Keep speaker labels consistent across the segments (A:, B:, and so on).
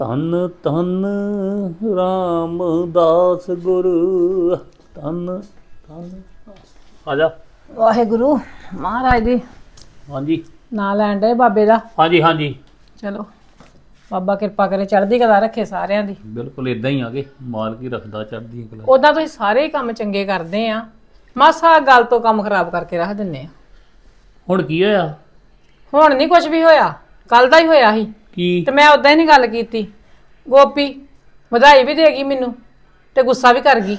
A: ਧੰਨ ਧੰਨ ਰਾਮਦਾਸ ਗੁਰੂ ਧੰਨ ਧੰਨ ਆ ਜਾ।
B: ਵਾਹਿਗੁਰੂ ਮਹਾਰਾਜ ਦੀ
A: ਹਾਂਜੀ
B: ਨਾਂ ਲੈਣ ਦੇ ਬਾਬੇ ਦਾ।
A: ਹਾਂਜੀ ਹਾਂਜੀ
B: ਚਲੋ ਬਾਬਾ ਕਿਰਪਾ ਕਰੇ ਚੜ੍ਹਦੀ ਕਲਾ ਰੱਖੇ ਸਾਰਿਆਂ ਦੀ।
A: ਬਿਲਕੁਲ ਇਦਾਂ ਹੀ ਆ ਗਏ ਮਾਲਕ ਹੀ ਰੱਖਦਾ ਚੜ੍ਹਦੀ ਕਲਾ।
B: ਉਦਾਂ ਤੁਸੀਂ ਸਾਰੇ ਹੀ ਕੰਮ ਚੰਗੇ ਕਰਦੇ ਆ, ਮਾਸਾ ਗੱਲ ਤੋਂ ਕੰਮ ਖਰਾਬ ਕਰਕੇ ਰੱਖ ਦਿੰਨੇ ਆ।
A: ਹੁਣ ਕੀ ਹੋਇਆ?
B: ਹੁਣ ਨਹੀਂ ਕੁਝ ਵੀ ਹੋਇਆ, ਕੱਲ ਦਾ ਹੀ ਹੋਇਆ ਸੀ
A: ਕੀ?
B: ਤੇ ਮੈਂ ਉਦਾਂ ਹੀ ਨਹੀਂ ਗੱਲ ਕੀਤੀ। ਗੋਪੀ ਵਧਾਈ ਵੀ ਦੇਗੀ ਮੈਨੂੰ ਤੇ ਗੁੱਸਾ ਵੀ ਕਰ ਗਈ।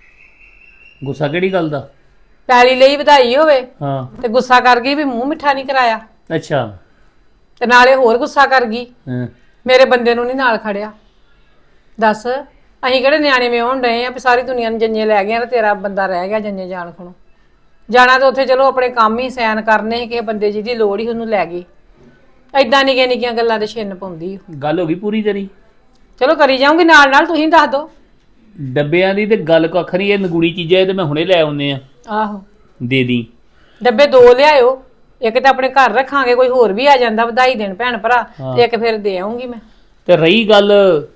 A: ਗੁੱਸਾ ਕਿਹੜੀ ਗੱਲ ਦਾ?
B: ਪੈਲੀ ਲਈ ਵਧਾਈ ਹੋਵੇ
A: ਹਾਂ
B: ਤੇ ਗੁੱਸਾ ਕਰ ਗਈ ਵੀ ਮੂੰਹ ਮਿੱਠਾ ਨਹੀਂ ਕਰਾਇਆ,
A: ਅੱਛਾ
B: ਤੇ ਨਾਲੇ ਹੋਰ ਗੁੱਸਾ ਕਰ ਗਈ
A: ਹਾਂ
B: ਮੇਰੇ ਬੰਦੇ ਨੂੰ ਨਹੀਂ ਨਾਲ ਖੜਿਆ। ਦੱਸ ਅਸੀਂ ਕਿਹੜੇ ਨਿਆਣੇ ਵਿਆਹੁਣ ਡਏ ਆ ਵੀ ਸਾਰੀ ਦੁਨੀਆ ਨੂੰ ਜੰਨੇ ਲੈ ਗਏ ਆ ਤੇ ਤੇਰਾ ਬੰਦਾ ਰਹਿ ਗਿਆ ਜੰਨੇ ਜਾਣ ਖਣੋ। ਜਾਣਾ ਤਾਂ ਉੱਥੇ ਚਲੋ ਆਪਣੇ ਕੰਮ ਹੀ ਸੈਨ ਕਰਨੇ ਸੀ, ਕਿਸੇ ਬੰਦੇ ਜਿਹਦੀ ਲੋੜ ਹੀ ਉਹਨੂੰ ਲੈ ਗਈ। ਐਦਾਂ ਨਿੱਕੀਆਂ ਨਿੱਕੀਆਂ ਗੱਲਾਂ ਤੇ ਛਿੰਨ ਪਾਉਂਦੀ।
A: ਗੱਲ ਹੋ ਗਈ ਪੂਰੀ ਤੇਰੀ?
B: ਚਲੋ ਕਰੀ ਜਾਊਂਗੀ ਨਾਲ ਨਾਲ, ਤੁਸੀਂ ਦੱਸ ਦਿਓ।
A: ਡੱਬਿਆਂ ਦੀ ਤੇ ਗੱਲ ਕੱਖ ਨਹੀਂ, ਇਹ ਨਗੂਣੀ ਚੀਜ਼ਾਂ ਇਹ ਤੇ ਮੈਂ ਹੁਣੇ ਲੈ ਆਉਨੇ ਆ।
B: ਆਹੋ
A: ਦੇ ਦੀ
B: ਡੱਬੇ 2 ਲਿਆਇਓ, ਇੱਕ ਤਾਂ ਆਪਣੇ ਘਰ ਰੱਖਾਂਗੇ, ਕੋਈ ਹੋਰ ਵੀ ਆ ਜਾਂਦਾ ਵਧਾਈ ਦੇਣ ਭੈਣ ਭਰਾ, ਤੇ ਇੱਕ ਫਿਰ ਦੇ ਆਉਂਗੀ ਮੈਂ।
A: ਤੇ ਰਹੀ ਗੱਲ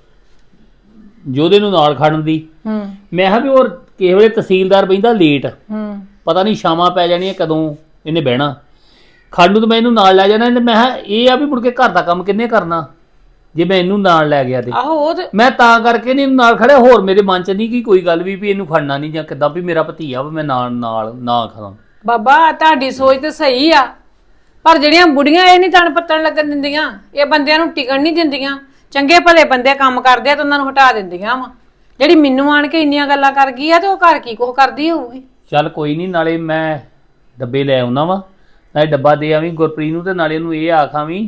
A: ਜੋਦੇ ਨੂੰ ਨਾਲ ਖੜਨ ਦੀ, ਮੈਂ ਕਿਹਾ ਵੀ ਹੋਰ ਕਿਸੇ ਵੇਲੇ ਤਹਿਸੀਲਦਾਰ ਬਹਿੰਦਾ ਲੇਟ, ਪਤਾ ਨਹੀਂ ਸ਼ਾਮਾਂ ਪੈ ਜਾਣੀਆਂ ਕਦੋਂ ਇਹਨੇ ਬਹਿਣਾ। ਖੜਨ ਨੂੰ ਤਾਂ ਮੈਂ ਇਹਨੂੰ ਨਾਲ ਲੈ ਜਾਣਾ, ਤੇ ਮੈਂ ਕਿਹਾ ਇਹ ਆ ਵੀ ਮੁੜ ਕੇ ਘਰ ਦਾ ਕੰਮ ਕਿੰਨੇ ਕਰਨਾ ਜੇ ਮੈਂ ਇਹਨੂੰ ਨਾਲ ਲੈ ਗਿਆ ਤੇ।
B: ਆਹੋ ਉਹ ਤੇ
A: ਮੈਂ ਤਾਂ ਕਰਕੇ ਨਹੀਂ ਨਾਲ ਖੜਿਆ, ਹੋਰ ਮੇਰੇ ਮਨ 'ਚ ਨਹੀਂ ਕਿ ਕੋਈ ਗੱਲ ਵੀ ਇਹਨੂੰ ਖੜਨਾ ਨਹੀਂ ਜਾਂ ਕਿੱਦਾਂ ਵੀ ਮੇਰਾ ਭਤੀਆ ਵਾ ਮੈਂ ਨਾਲ ਨਾ ਖੜਾਂ।
B: ਬਾਬਾ ਤੁਹਾਡੀ ਸੋਚ ਤੇ ਸਹੀ ਆ, ਪਰ ਜਿਹੜੀਆਂ ਬੁੜੀਆਂ ਇਹ ਨਹੀਂ ਤਣ ਪੱਤਣ ਲੱਗਣ ਦਿੰਦੀਆਂ, ਇਹ ਬੰਦਿਆਂ ਨੂੰ ਟਿਕਣ ਨਹੀਂ ਦਿੰਦੀਆਂ। ਚੰਗੇ ਭਲੇ ਬੰਦੇ ਕੰਮ ਕਰਦੇ ਆ ਤਾਂ ਉਹਨਾਂ ਨੂੰ ਹਟਾ ਦਿੰਦੀਆਂ ਵਾ। ਜਿਹੜੀ ਮੈਨੂੰ ਆਣ ਕੇ ਇੰਨੀਆਂ ਗੱਲਾਂ ਕਰ ਗਈ ਆ ਤੇ ਉਹ ਘਰ ਕੀ ਕੁਛ ਕਰਦੀ ਹੋਊਗੀ।
A: ਚੱਲ ਕੋਈ ਨਹੀਂ, ਨਾਲੇ ਮੈਂ ਡੱਬੇ ਲੈ ਆਉਣਾ ਵਾ, ਨਾਲੇ ਡੱਬਾ ਦੇ ਆਵੀਂ ਗੁਰਪ੍ਰੀਤ ਨੂੰ, ਤੇ ਨਾਲੇ ਉਹਨੂੰ ਇਹ ਆਖਾਂ ਵੀ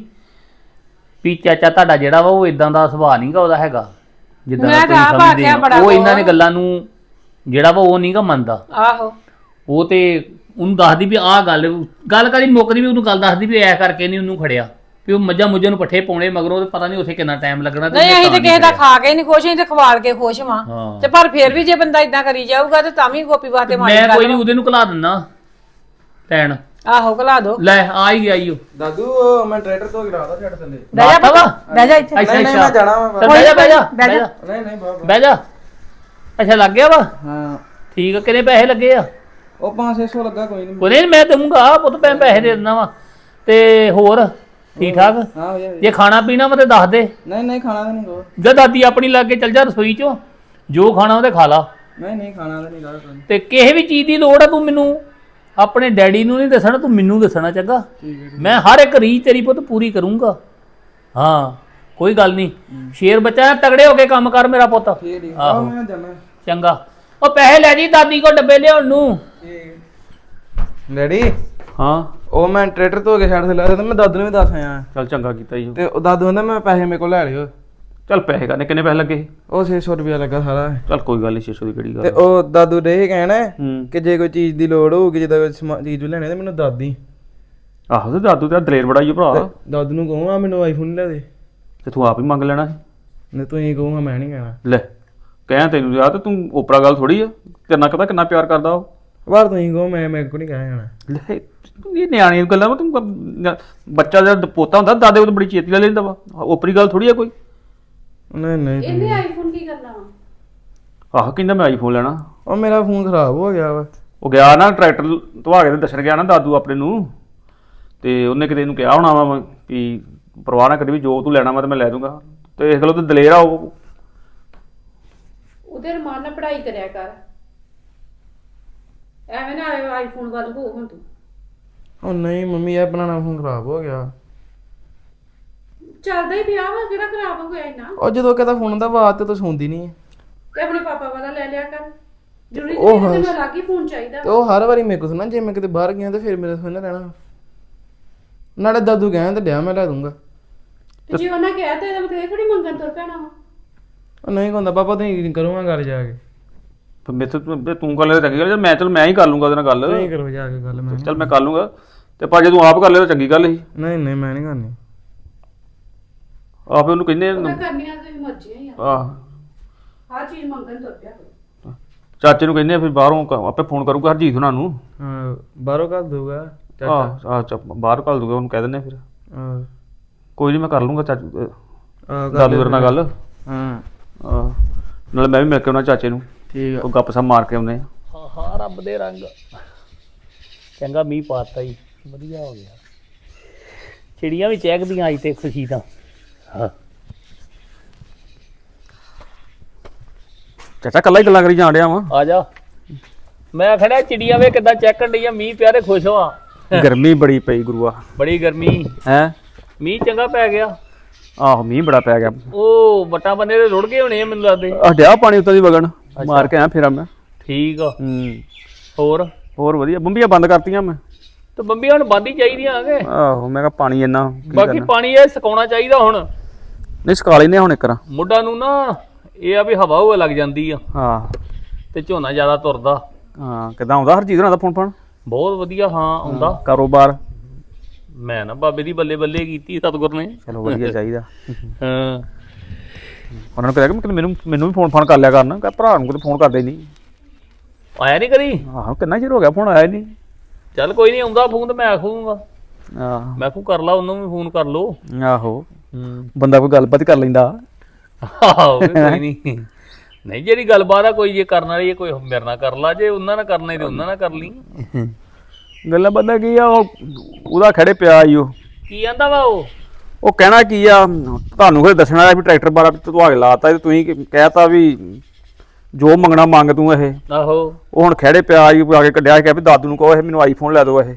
A: ਚਾਚਾ ਤੁਹਾਡਾ ਜਿਹੜਾ ਵਾ ਉਹ ਇਦਾਂ ਦਾ ਸੁਭਾਅ ਨਹੀਂਗਾ ਉਹਦਾ ਹੈਗਾ ਜਿੱਦਾਂ ਦਾ ਤੁਸੀਂ ਸਮਝਦੇ ਹੋ। ਉਹ ਇਹਨਾਂ ਨੇ ਗੱਲਾਂ ਨੂੰ ਜਿਹੜਾ ਵਾ ਉਹ ਨਹੀਂਗਾ ਮੰਨਦਾ।
B: ਆਹੋ
A: ਉਹ ਤੇ ਉਹਨੂੰ ਦੱਸਦੀ ਵੀ ਆਹ ਗੱਲ ਕਰੀ ਮੁੱਕਦੀ ਵੀ ਉਹਨੂੰ ਗੱਲ ਦੱਸਦੀ ਵੀ ਐ ਕਰਕੇ ਨਹੀਂ ਉਹਨੂੰ ਖੜਿਆ, ਵੀ ਉਹ ਮੱਝਾਂ ਮੁੱਝਾਂ ਨੂੰ ਪੱਠੇ ਪਾਉਣੇ ਮਗਰੋਂ ਤੇ ਪਤਾ ਨਹੀਂ ਉੱਥੇ ਕਿੰਨਾ ਟਾਈਮ ਲੱਗਣਾ।
B: ਨਹੀਂ ਅਸੀਂ ਤੇ ਕਿਸੇ ਦਾ ਖਾ ਕੇ ਨਹੀਂ ਖੁਸ਼, ਅਸੀਂ ਤੇ ਖਵਾਲ ਕੇ ਖੁਸ਼ ਵਾਂ। ਤੇ ਪਰ ਫਿਰ ਵੀ ਜੇ ਬੰਦਾ ਇਦਾਂ ਕਰੀ ਜਾਊਗਾ ਤੇ ਤਾਂ ਵੀ ਗੋਪੀ ਵਾਸਤੇ ਮਾੜੀ ਗੱਲ।
A: ਮੈਂ ਕੋਈ ਨਹੀਂ ਉਹਦੇ ਨੂੰ ਘਲਾ ਦਿੰਦਾ ਲੈਣ।
B: ਆਹੋ ਘਲਾ ਦੋ।
A: ਲੈ ਆ ਹੀ ਗਿਆ ਈ ਉਹ।
C: ਦਾਦੂ ਮੈਂ ਟਰੈਕਟਰ ਤੋਂ ਗਿਰਾਦਾ ਛੱਡ ਥੱਲੇ।
B: ਬਹਿ ਜਾ ਬਾਬਾ, ਬਹਿ ਜਾ ਇੱਥੇ।
A: ਅੱਛਾ
C: ਨਹੀਂ ਮੈਂ ਜਾਣਾ ਵਾ।
A: ਬਹਿ ਜਾ ਬਹਿ ਜਾ
B: ਬਹਿ ਜਾ।
C: ਨਹੀਂ ਬਾਬਾ
A: ਬਹਿ ਜਾ। ਅੱਛਾ ਲੱਗ ਗਿਆ ਵਾ?
C: ਹਾਂ
A: ਠੀਕ ਆ, ਕਿੰਨੇ ਪੈਸੇ ਲੱਗੇ ਆ?
C: ਉਹ 500 ਲੱਗਾ, ਕੋਈ ਨਹੀਂ।
A: ਕੋਈ ਨਹੀਂ ਮੈਂ ਦਊਂਗਾ ਪੁੱਤ, ਮੈਂ ਪੈਸੇ ਦੇ ਦਿੰਦਾ ਵਾ। ਤੇ ਹੋਰ ਠੀਕ ਠਾਕ?
C: ਹਾਂ ਹੋ ਜਾਏ।
A: ਜੇ ਖਾਣਾ ਪੀਣਾ ਵਾ ਤੇ ਦੱਸ ਦੇ।
C: ਨਹੀਂ ਖਾਣਾ ਤਾਂ ਨਹੀਂ ਕੋ।
A: ਜੇ ਦਾਦੀ ਆਪਣੀ ਲੱਗ ਕੇ ਚੱਲ ਜਾ ਰਸੋਈ ਚੋਂ, ਜੋ ਖਾਣਾ ਉਹਦੇ ਖਾ ਲਾ।
C: ਨਹੀਂ ਖਾਣਾ ਤਾਂ ਨਹੀਂ ਗਾ।
A: ਤੇ ਕਿਸੇ ਵੀ ਚੀਜ਼ ਦੀ ਲੋੜ ਆ ਤੂੰ ਮੈਨੂੰ ਆਪਣੇ ਡੈਡੀ ਨੂੰ ਨਹੀਂ ਦੱਸਣਾ, ਤੂੰ ਮੈਨੂੰ ਦੱਸਣਾ ਚੰਗਾ। ਮੈਂ ਹਰ ਇੱਕ ਰੀਝ ਤੇਰੀ ਪੁੱਤ ਪੂਰੀ ਕਰੂੰਗਾ। ਹਾਂ ਕੋਈ ਗੱਲ ਨਹੀਂ, ਸ਼ੇਰ ਬੱਚਾ ਤਗੜੇ ਹੋ ਕੇ ਕੰਮ ਕਰ ਮੇਰਾ ਪੁੱਤ।
C: ਆਹੋ ਮੈਂ ਜਾਣਾ
A: ਚੰਗਾ। ਉਹ ਪੈਸੇ ਲੈ ਜੀ ਦਾਦੀ ਕੋ ਡੱਬੇ ਲਿਆਉਣ ਨੂੰ।
C: ਡੈਡੀ
A: ਹਾਂ
C: ਉਹ ਮੈਂ ਟਰੈਕਟਰ ਤੋਂ ਕੇ ਛੱਡ ਥੱਲੇ, ਤੇ ਮੈਂ ਦਾਦੂ ਨੂੰ ਵੀ ਦੱਸ ਆਇਆ।
A: ਚੱਲ ਚੰਗਾ ਕੀਤਾ ਜੀ।
C: ਤੇ ਉਹ ਦਾਦੂ ਕਹਿੰਦਾ ਮੈਂ ਪੈਸੇ ਮੇਰੇ ਕੋਲ ਲੈ ਲਿਓ।
A: ਚੱਲ ਪੈਸੇ ਕਰਨੇ ਕਿੰਨੇ ਪੈਸੇ ਲੱਗੇ?
C: ਉਹ 600 ਰੁਪਇਆ ਲੱਗਾ ਸਾਰਾ।
A: ਚੱਲ ਕੋਈ ਗੱਲ ਨਹੀਂ, 600 ਦੀ ਕਿਹੜੀ
C: ਤੇ
A: ਗੱਲ।
C: ਉਹ ਦਾਦੂ ਦੇ ਇਹ ਕਹਿਣਾ
A: ਹੂੰ
C: ਕਿ ਜੇ ਕੋਈ ਚੀਜ਼ ਦੀ ਲੋੜ ਹੋਊਗੀ, ਜਿੱਦਾਂ ਕੋਈ ਚੀਜ਼ ਲੈਣੀ ਤੇ ਮੈਨੂੰ ਦਾਦੀ।
A: ਆਹੋ ਤੇ ਦਾਦੂ ਤੇਰਾ ਦਲੇਰ ਬੜਾ ਹੀ ਭਰਾ।
C: ਦਾਦੂ ਨੂੰ ਕਹੂੰ ਆ ਮੈਨੂੰ ਆਈਫੋਨ ਲੈ ਦੇ,
A: ਤੇ ਤੂੰ ਆਪ ਹੀ ਮੰਗ ਲੈਣਾ ਸੀ।
C: ਨਹੀਂ ਤੂੰ ਹੀ ਕਹੂੰਗਾ, ਮੈਂ ਨਹੀਂ ਕਹਿਣਾ।
A: ਲੈ ਕਹਿ ਤੈਨੂੰ ਯਾਰ, ਤੇ ਤੂੰ ਓਪਰਾ ਗੱਲ ਥੋੜੀ ਆ। ਤੇਰੇ ਕਦਾ ਕਿੰਨਾ ਪਿਆਰ ਕਰਦਾ ਉਹ।
C: ਬਾਹਰ ਤੂੰ ਹੀ ਕਹੋ, ਮੈਂ ਮੇਰੇ ਕੋਲ ਨਹੀਂ ਕਹਿ ਜਾਣਾ।
A: ਲੈ ਇਹ ਨਿਆਣੀਆਂ ਗੱਲਾਂ ਵਾ। ਤੂੰ ਬੱਚਾ ਜਦ ਪੋਤਾ ਹੁੰਦਾ ਦਾਦੇ ਕੋਲ ਬੜੀ ਛੇਤੀ ਲੈ ਲੈਂਦਾ ਵਾ। ਓਪਰੀ ਗੱਲ ਥੋੜੀ ਆ ਕੋਈ।
C: ਨਹੀਂ
B: ਇਹਨੇ ਆਈਫੋਨ ਕੀ ਕਰਨਾ ਵਾ?
A: ਆਹ ਕਹਿੰਦਾ ਮੈਂ ਆਈਫੋਨ ਲੈਣਾ।
C: ਉਹ ਮੇਰਾ ਫੋਨ ਖਰਾਬ ਹੋ ਗਿਆ ਵਾ।
A: ਉਹ ਗਿਆ ਨਾ ਟਰੈਕਟਰ ਧਵਾ ਕੇ ਤੇ ਦੱਸਣ ਗਿਆ ਨਾ ਦਾਦੂ ਆਪਣੇ ਨੂੰ, ਤੇ ਉਹਨੇ ਕਿਤੇ ਇਹਨੂੰ ਕਿਹਾ ਹੋਣਾ ਵਾ ਵੀ ਪਰਵਾਹ ਨਾ ਕਰੀ, ਵੀ ਜੋ ਤੂੰ ਲੈਣਾ ਵਾ ਤੇ ਮੈਂ ਲੈ ਦੂੰਗਾ। ਤੇ ਇਸ ਗੱਲੋਂ ਤੇ ਦਲੇਰ ਆ ਉਹ।
D: ਉਹਦੇ ਰਮਾਨ ਨਾਲ ਪੜ੍ਹਾਈ ਕਰਿਆ ਕਰ, ਐਵੇਂ ਨਾ ਆਈਫੋਨ ਵੱਲ ਹੋ ਹੁਣ ਤੂੰ।
C: ਉਹ ਨਹੀਂ ਮੰਮੀ, ਇਹ ਬਣਾਉਣਾ ਫੋਨ ਖਰਾਬ ਹੋ ਗਿਆ।
D: ਚੱਲਦਾ ਹੀ ਪਿਆ ਵਾ, ਕਿਹੜਾ ਖਰਾਬ ਹੋ ਗਿਆ ਇੰਨਾ।
C: ਉਹ ਜਦੋਂ ਕਹਿੰਦਾ ਫੋਨ ਦਾ ਆਵਾਜ਼ ਤੇ ਤੂੰ ਸੁਣਦੀ ਨਹੀਂ।
D: ਤੇ ਆਪਣੇ ਪਾਪਾ ਵਾਲਾ ਲੈ ਲਿਆ ਕਰ, ਜ਼ਰੂਰੀ
C: ਉਹ
D: ਨਹੀਂ ਤੈਨੂੰ ਅਲੱਗ ਹੀ ਫੋਨ ਚਾਹੀਦਾ।
C: ਤੇ ਉਹ ਹਰ ਵਾਰੀ ਮੇਰੇ ਕੋਲ ਸੁਣਾ, ਜੇ ਮੈਂ ਕਿਤੇ ਬਾਹਰ ਗਿਆ ਤਾਂ ਫਿਰ ਮੇਰੇ ਸੁਣਨਾ ਰਹਿਣਾ। ਨਾਲੇ ਦਾਦੂ ਕਹਿੰਦਾ ਡਿਆ ਮੈਂ ਲੈ ਦੂੰਗਾ।
D: ਤੇ ਜੇ ਉਹਨਾਂ ਕਿਹਾ ਤਾਂ ਇਹਦਾ ਮਤਲਬ ਇਹ ਥੋੜੀ ਮੰਗਣ ਤੁਰ ਪੈਣਾ ਵਾ।
C: ਉਹ ਨਹੀਂ ਕਹਿੰਦਾ ਪਾਪਾ ਤੁਸੀਂ ਕਰੂੰਗਾ ਗੱਲ ਜਾ ਕੇ।
A: ਤੂੰ ਕਰ ਲੈ ਚੰਗੀ ਗੱਲ, ਮੈਂ ਹੀ ਕਰ ਲੂੰਗਾ ਉਹਦੇ ਨਾਲ ਗੱਲ।
C: ਨਹੀਂ ਕਰੋ ਜਾ ਕੇ ਗੱਲ। ਮੈਂ
A: ਚੱਲ ਮੈਂ ਕਰ ਲੂੰਗਾ, ਤੇ ਪਰ ਜੇ ਤੂੰ ਆਪ ਕਰ ਲੈ ਤਾਂ ਚੰਗੀ ਗੱਲ ਸੀ।
C: ਨਹੀਂ ਮੈਂ ਨਹੀਂ ਕਰਨੀ।
A: ਆਪੇ ਉਹਨੂੰ ਕਹਿੰਦੇ
D: ਉਹਨਾਂ ਕਰਨੀਆਂ ਤੇ ਮਰਜ਼ੀਆਂ ਹੀ ਆ,
A: ਆਹ
D: ਹਰ ਚੀਜ਼ ਮੰਗਣ ਤੁਰ ਪਿਆ ਕਰੋ।
A: ਚਾਚੇ ਨੂੰ ਕਹਿੰਦੇ ਆ ਫਿਰ ਬਾਹਰੋਂ ਆਪੇ ਫੋਨ ਕਰੂਗਾ ਹਰਜੀਤ ਉਹਨਾਂ ਨੂੰ।
C: ਹਾਂ ਬਾਹਰੋਂ ਕਰ ਦੂਗਾ
A: ਆਹ ਬਾਹਰ ਘੱਲ ਦੂਗਾ ਉਹਨੂੰ, ਕਹਿ ਦਿੰਦੇ ਫਿਰ।
C: ਹਾਂ
A: ਕੋਈ ਨਹੀਂ ਮੈਂ ਕਰ ਲੂੰਗਾ ਚਾਚੂ।
E: ਦਾਦੂ ਤੇਰੇ ਨਾਲ ਗੱਲ
C: ਹਾਂ
E: ਨਾਲੇ ਮੈਂ ਵੀ ਮਿਲ ਕੇ ਉਹਨਾਂ ਚਾਚੇ ਨੂੰ
C: ਠੀਕ
E: ਉਹ ਗੱਪ ਸੱਪ ਮਾਰ ਕੇ ਆਉਂਦੇ ਆ।
A: ਹਾਂ ਹਾਂ ਰੱਬ ਦੇ ਰੰਗ ਚੰਗਾ ਮੀਂਹ ਪਾਤਾ ਹੀ ਵਧੀਆ ਹੋ ਗਿਆ ਚਿੜੀਆਂ ਵੀ ਚਹਿਕਦੀਆਂ ਅੱਜ ਤੇ ਖੁਸ਼ੀ ਤਾਂ ਹਾਂ
E: ਚਾਚਾ ਕੱਲਾ ਹੀ ਗੱਲਾਂ ਕਰੀ ਜਾਣ ਡਿਆ ਵਾਂ।
A: ਆ ਜਾ ਮੈਂ ਖੜਿਆ ਚਿੜੀਆਂ ਵੇ ਕਿੱਦਾਂ ਚਹਿਕਣ ਡਈਆਂ ਮੀਂਹ ਪਿਆ ਤੇ ਖੁਸ਼ ਹੋਆ
E: ਗਰਮੀ ਬੜੀ ਪਈ ਗੁਰੂਆ
A: ਬੜੀ ਗਰਮੀ
E: ਹੈ।
A: ਮੀਂਹ ਚੰਗਾ ਪੈ ਗਿਆ
E: ਆਹੋ ਮੀਂਹ ਬੜਾ ਪੈ ਗਿਆ।
A: ਉਹ ਵੱਟਾਂ ਬੰਨੇ ਦੇ ਰੁੜ ਗਏ ਹੋਣੇ ਆ ਮੈਨੂੰ ਲੱਗਦੇ
E: ਡਿਆ ਪਾਣੀ ਉੱਤੋਂ ਦੀ ਵਗਣ ਮਾਰ ਕੇ ਆਇਆ ਫੇਰ ਮੈਂ।
A: ਠੀਕ ਆ ਹੋਰ
E: ਵਧੀਆ ਬੰਬੀਆਂ ਬੰਦ ਕਰਤੀਆਂ ਮੈਂ।
A: ਤੇ ਬੰਬੀਆਂ ਹੁਣ ਬੰਦ ਹੀ ਚਾਹੀਦੀਆਂ ਆਗੇ
E: ਆਹੋ ਮੈਂ ਕਿਹਾ ਪਾਣੀ ਇੰਨਾ
A: ਬਾਕੀ ਪਾਣੀ ਇਹ ਸੁਕਾਉਣਾ ਚਾਹੀਦਾ ਹੁਣ
E: ਨਹੀਂ ਸੁਕਾ ਲੈਨੇ ਹੁਣ ਇੱਕ ਰਾਂ।
A: ਮੁੱਢਾਂ ਨੂੰ ਨਾ ਇਹ ਆ ਵੀ ਹਵਾ ਹੁਵਾ ਲੱਗ ਜਾਂਦੀ ਆ
E: ਹਾਂ
A: ਤੇ ਝੋਨਾ ਜ਼ਿਆਦਾ ਤੁਰਦਾ
E: ਹਾਂ ਕਿੱਦਾਂ ਆਉਂਦਾ ਹਰਜੀਤ ਹੋਣਾ ਦਾ ਫੋਨ ਫਾਨ
A: ਬਹੁਤ ਵਧੀਆ ਹਾਂ ਆਉਂਦਾ
E: ਕਾਰੋਬਾਰ
A: ਮੈਂ ਨਾ ਬਾਬੇ ਦੀ ਬੱਲੇ ਬੱਲੇ ਕੀਤੀ ਸਤਿਗੁਰ ਨੇ
E: ਚਲੋ ਵਧੀਆ ਚਾਹੀਦਾ।
A: ਹਾਂ
E: ਉਹਨਾਂ ਨੂੰ ਕਿਹਾ ਕਿ ਮੈਨੂੰ ਵੀ ਫੋਨ ਫਾਨ ਕਰ ਲਿਆ ਕਰਨ ਕਹ ਭਰਾ ਨੂੰ ਕਿਤੇ ਫੋਨ ਕਰਦੇ ਨਹੀਂ।
A: ਆਇਆ ਨਹੀਂ ਕਦੀ
E: ਆਹੋ ਕਿੰਨਾ ਚਿਰ ਹੋ ਗਿਆ ਫੋਨ ਆਇਆ ਨਹੀਂ।
A: ਚੱਲ ਕੋਈ ਨਹੀਂ ਆਉਂਦਾ ਫੋਨ ਤੇ ਮੈਂ ਆਖੂਗਾ
E: ਆਹ
A: ਮੈਂ ਕਹੂੰ ਕਰ ਲਾ ਉਹਨੂੰ ਵੀ ਫੋਨ ਕਰ ਲੋ
E: ਆਹੋ ਬੰਦਾ ਕੋਈ ਗੱਲਬਾਤ ਕਰ ਲੈਂਦਾ।
A: ਆਹੋ ਕੋਈ ਨਹੀਂ ਨਹੀਂ ਜਿਹੜੀ ਗੱਲਬਾਤ ਆ ਕੋਈ ਜੇ ਕਰਨ ਵਾਲੀ ਕੋਈ ਮੇਰੇ ਨਾਲ ਕਰ ਲਾ ਜੇ ਉਹਨਾਂ ਨਾਲ ਕਰਨਾ ਤੇ ਉਹਨਾਂ ਨਾਲ ਕਰ ਲਈ
E: ਗੱਲਾਂ ਬੰਦਾ ਕੀ ਆ ਉਹਦਾ ਖੜੇ ਪਿਆ ਈ ਉਹ
A: ਕੀ ਆਂਦਾ ਵਾ
E: ਉਹ ਕਹਿਣਾ ਕੀ ਆ ਤੁਹਾਨੂੰ ਫਿਰ ਦੱਸਣਾ ਵੀ ਟਰੈਕਟਰ ਬਾਰਾ ਤੁਹਾਡੇ ਲਾਤਾ ਤੇ ਤੁਸੀਂ ਕਹਿਤਾ ਵੀ ਜੋ ਮੰਗਣਾ ਮੰਗ ਤੂੰ ਇਹ।
A: ਆਹੋ
E: ਉਹ ਹੁਣ ਖੜੇ ਪਿਆ ਈ ਆ ਕੇ ਕੱਢਿਆ ਕਿ ਵੀ ਦਾਦੂ ਨੂੰ ਕਹੋ ਇਹ ਮੈਨੂੰ ਆਈਫੋਨ ਲੈ ਦਿਓ ਇਹ।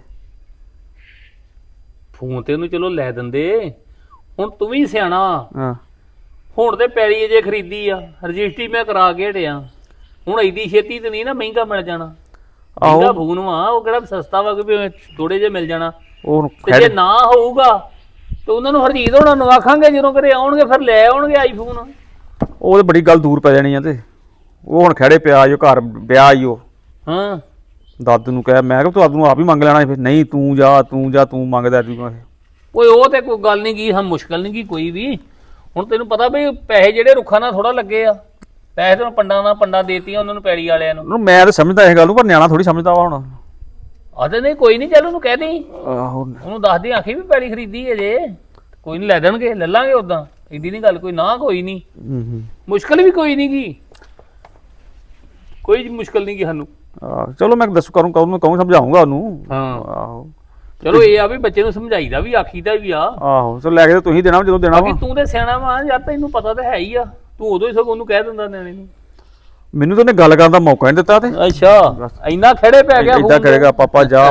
A: ਫੋਨ ਤੇ ਉਹਨੂੰ ਚਲੋ ਲੈ ਦਿੰਦੇ ਹੁਣ ਤੂੰ ਵੀ ਸਿਆਣਾ
E: ਹਾਂ
A: ਹੁਣ ਤੇ ਪੈਲੀ ਜੇ ਖਰੀਦੀ ਆ ਰਜਿਸਟਰੀ ਮੈਂ ਕਰਾ ਕੇ ਹਟਿਆ ਹੁਣ ਐਡੀ ਛੇਤੀ ਤੇ ਨਹੀਂ ਨਾ ਮਹਿੰਗਾ ਮਿਲ ਜਾਣਾ। ਮਹਿੰਗਾ ਫੋਨ ਵਾ ਉਹ ਕਿਹੜਾ ਸਸਤਾ ਵਾ ਕਿ ਥੋੜੇ ਜਿਹੇ ਮਿਲ ਜਾਣਾ
E: ਉਹ
A: ਤੇ ਜੇ ਨਾ ਹੋਊਗਾ ਤੇ ਉਹਨਾਂ ਨੂੰ ਹਰਜੀਤ ਹੋਣਾ ਨੂੰ ਆਖਾਂਗੇ ਜਦੋਂ ਘਰੇ ਆਉਣਗੇ ਫਿਰ ਲੈ ਆਉਣਗੇ ਆਈਫੋਨ।
E: ਉਹ ਤੇ ਬੜੀ ਗੱਲ ਦੂਰ ਪੈ ਜਾਣੀ ਆ ਤੇ ਉਹ ਹੁਣ ਖੜੇ ਪਿਆ ਈ ਉਹ ਘਰ ਵਿਆਹ ਈ ਉਹ।
A: ਹਾਂ
E: ਦਾਦੂ ਨੂੰ ਕਹਿ ਮੈਂ ਕਿਹਾ ਤੂੰ ਦਾਦੂ ਨੂੰ ਆਪ ਹੀ ਮੰਗ ਲੈਣਾ ਫਿਰ ਨਹੀਂ ਤੂੰ ਜਾ ਤੂੰ ਮੰਗਦਾ ਤੂੰ ਇਹ।
A: ਓਏ ਉਹ ਤੇ ਕੋਈ ਗੱਲ ਨਹੀਂ ਕੀ ਹਾਂ ਮੁਸ਼ਕਲ ਨਹੀਂ ਕੀ ਕੋਈ ਵੀ ਹੁਣ ਤੈਨੂੰ ਪਤਾ ਵੀ ਪੈਸੇ ਜਿਹੜੇ ਰੁੱਖਾਂ ਨਾਲ ਥੋੜਾ ਲੱਗੇ ਆ ਪੈਸੇ ਤੈਨੂੰ ਪੰਡਾਂ ਦੇਤੀਆਂ ਉਹਨਾਂ ਨੂੰ ਪੈੜੀ ਵਾਲਿਆਂ ਨੂੰ।
E: ਮੈਂ ਤਾਂ ਸਮਝਦਾ ਇਹ ਗੱਲ ਨੂੰ ਪਰ ਨਿਆਣਾ ਥੋੜੀ ਸਮਝਦਾ ਵਾ ਹੁਣ।
A: ਆਦੇ ਨਹੀਂ ਕੋਈ ਨਹੀਂ ਚੱਲ ਉਹਨੂੰ ਕਹਿ ਦੇਈਂ
E: ਆਹੋ
A: ਉਹਨੂੰ ਦੱਸ ਦੇ ਆਖੀ ਵੀ ਪੈੜੀ ਖਰੀਦੀ ਹੈ ਜੇ ਕੋਈ ਨਹੀਂ ਲੈ ਦੇਣਗੇ ਲੈ ਲਾਂਗੇ ਉਦਾਂ ਏਡੀ ਨਹੀਂ ਗੱਲ ਕੋਈ ਨਾ ਕੋਈ ਨਹੀਂ ਮੁਸ਼ਕਲ ਵੀ ਕੋਈ ਨਹੀਂ ਗੀ ਕੋਈ ਮੁਸ਼ਕਲ ਨਹੀਂ ਗੀ ਸਾਨੂੰ।
E: ਚਲੋ ਮੈਂ ਦੱਸ ਕਹੂੰ ਸਮਝਾਉਂਗਾ ਉਹਨੂੰ।
A: ਹਾਂ
E: ਆਹੋ
A: ਚਲੋ ਇਹ ਆ ਵੀ ਬੱਚੇ ਨੂੰ ਸਮਝਾਈਦਾ ਵੀ ਆਖੀਦਾ ਵੀ ਆ।
E: ਆਹੋ ਚਲੋ ਲੈ ਕੇ ਤੁਸੀਂ ਦੇਣਾ ਜਦੋਂ ਦੇਣਾ ਵਾ।
A: ਬਾਕੀ ਤੂੰ ਤੇ ਸਿਆਣਾ ਵਾ ਯਾਰ ਤੈਨੂੰ ਪਤਾ ਤਾਂ ਹੈ ਹੀ ਆ ਤੂੰ ਉਦੋਂ ਹੀ ਸਗੋਂ ਉਹਨੂੰ ਕਹਿ ਦਿੰਦਾ ਨਿਆਣੇ ਨੂੰ।
E: ਮੈਨੂੰ ਤਾਂ ਉਹਨੇ ਗੱਲ ਕਰਨ ਦਾ ਮੌਕਾ ਨਹੀਂ ਦਿੱਤਾ ਤੇ
A: ਅੱਛਾ ਇੰਨਾ ਖੜੇ ਪੈ ਗਿਆ
E: ਏਦਾਂ ਕਰੇਗਾ ਪਾਪਾ ਜਾ